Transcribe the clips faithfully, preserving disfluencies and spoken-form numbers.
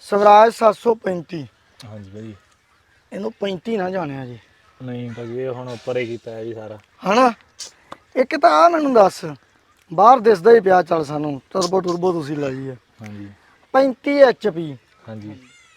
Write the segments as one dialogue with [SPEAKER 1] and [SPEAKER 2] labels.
[SPEAKER 1] ਸਵਰਾਜ ਸੱਤ ਸੌ ਪੈਂਤੀ।
[SPEAKER 2] ਹਾਂਜੀ ਭਾਜੀ
[SPEAKER 1] ਇਹਨੂੰ ਪੈਂਤੀ ਨਾ ਜਾਣਿਆ ਜੀ।
[SPEAKER 2] ਨਹੀਂ ਭਾਜੀ ਇਹ ਹੁਣ ਉੱਪਰ ਹੀ ਕੀਤਾ ਹੈ ਜੀ ਸਾਰਾ
[SPEAKER 1] ਹਨਾ। ਇੱਕ ਤਾਂ ਆ ਮੈਨੂੰ ਦੱਸ, ਬਾਹਰ ਦਿਸਦਾ ਹੀ ਪਿਆ ਚੱਲ ਸਾਨੂੰ, ਟਰਬੋ ਟਰਬੋ ਤੁਸੀਂ ਲਾਈ ਹੈ
[SPEAKER 2] ਹਾਂਜੀ
[SPEAKER 1] ਪੈਂਤੀ ਐਚ ਪੀ।
[SPEAKER 2] ਹਾਂਜੀ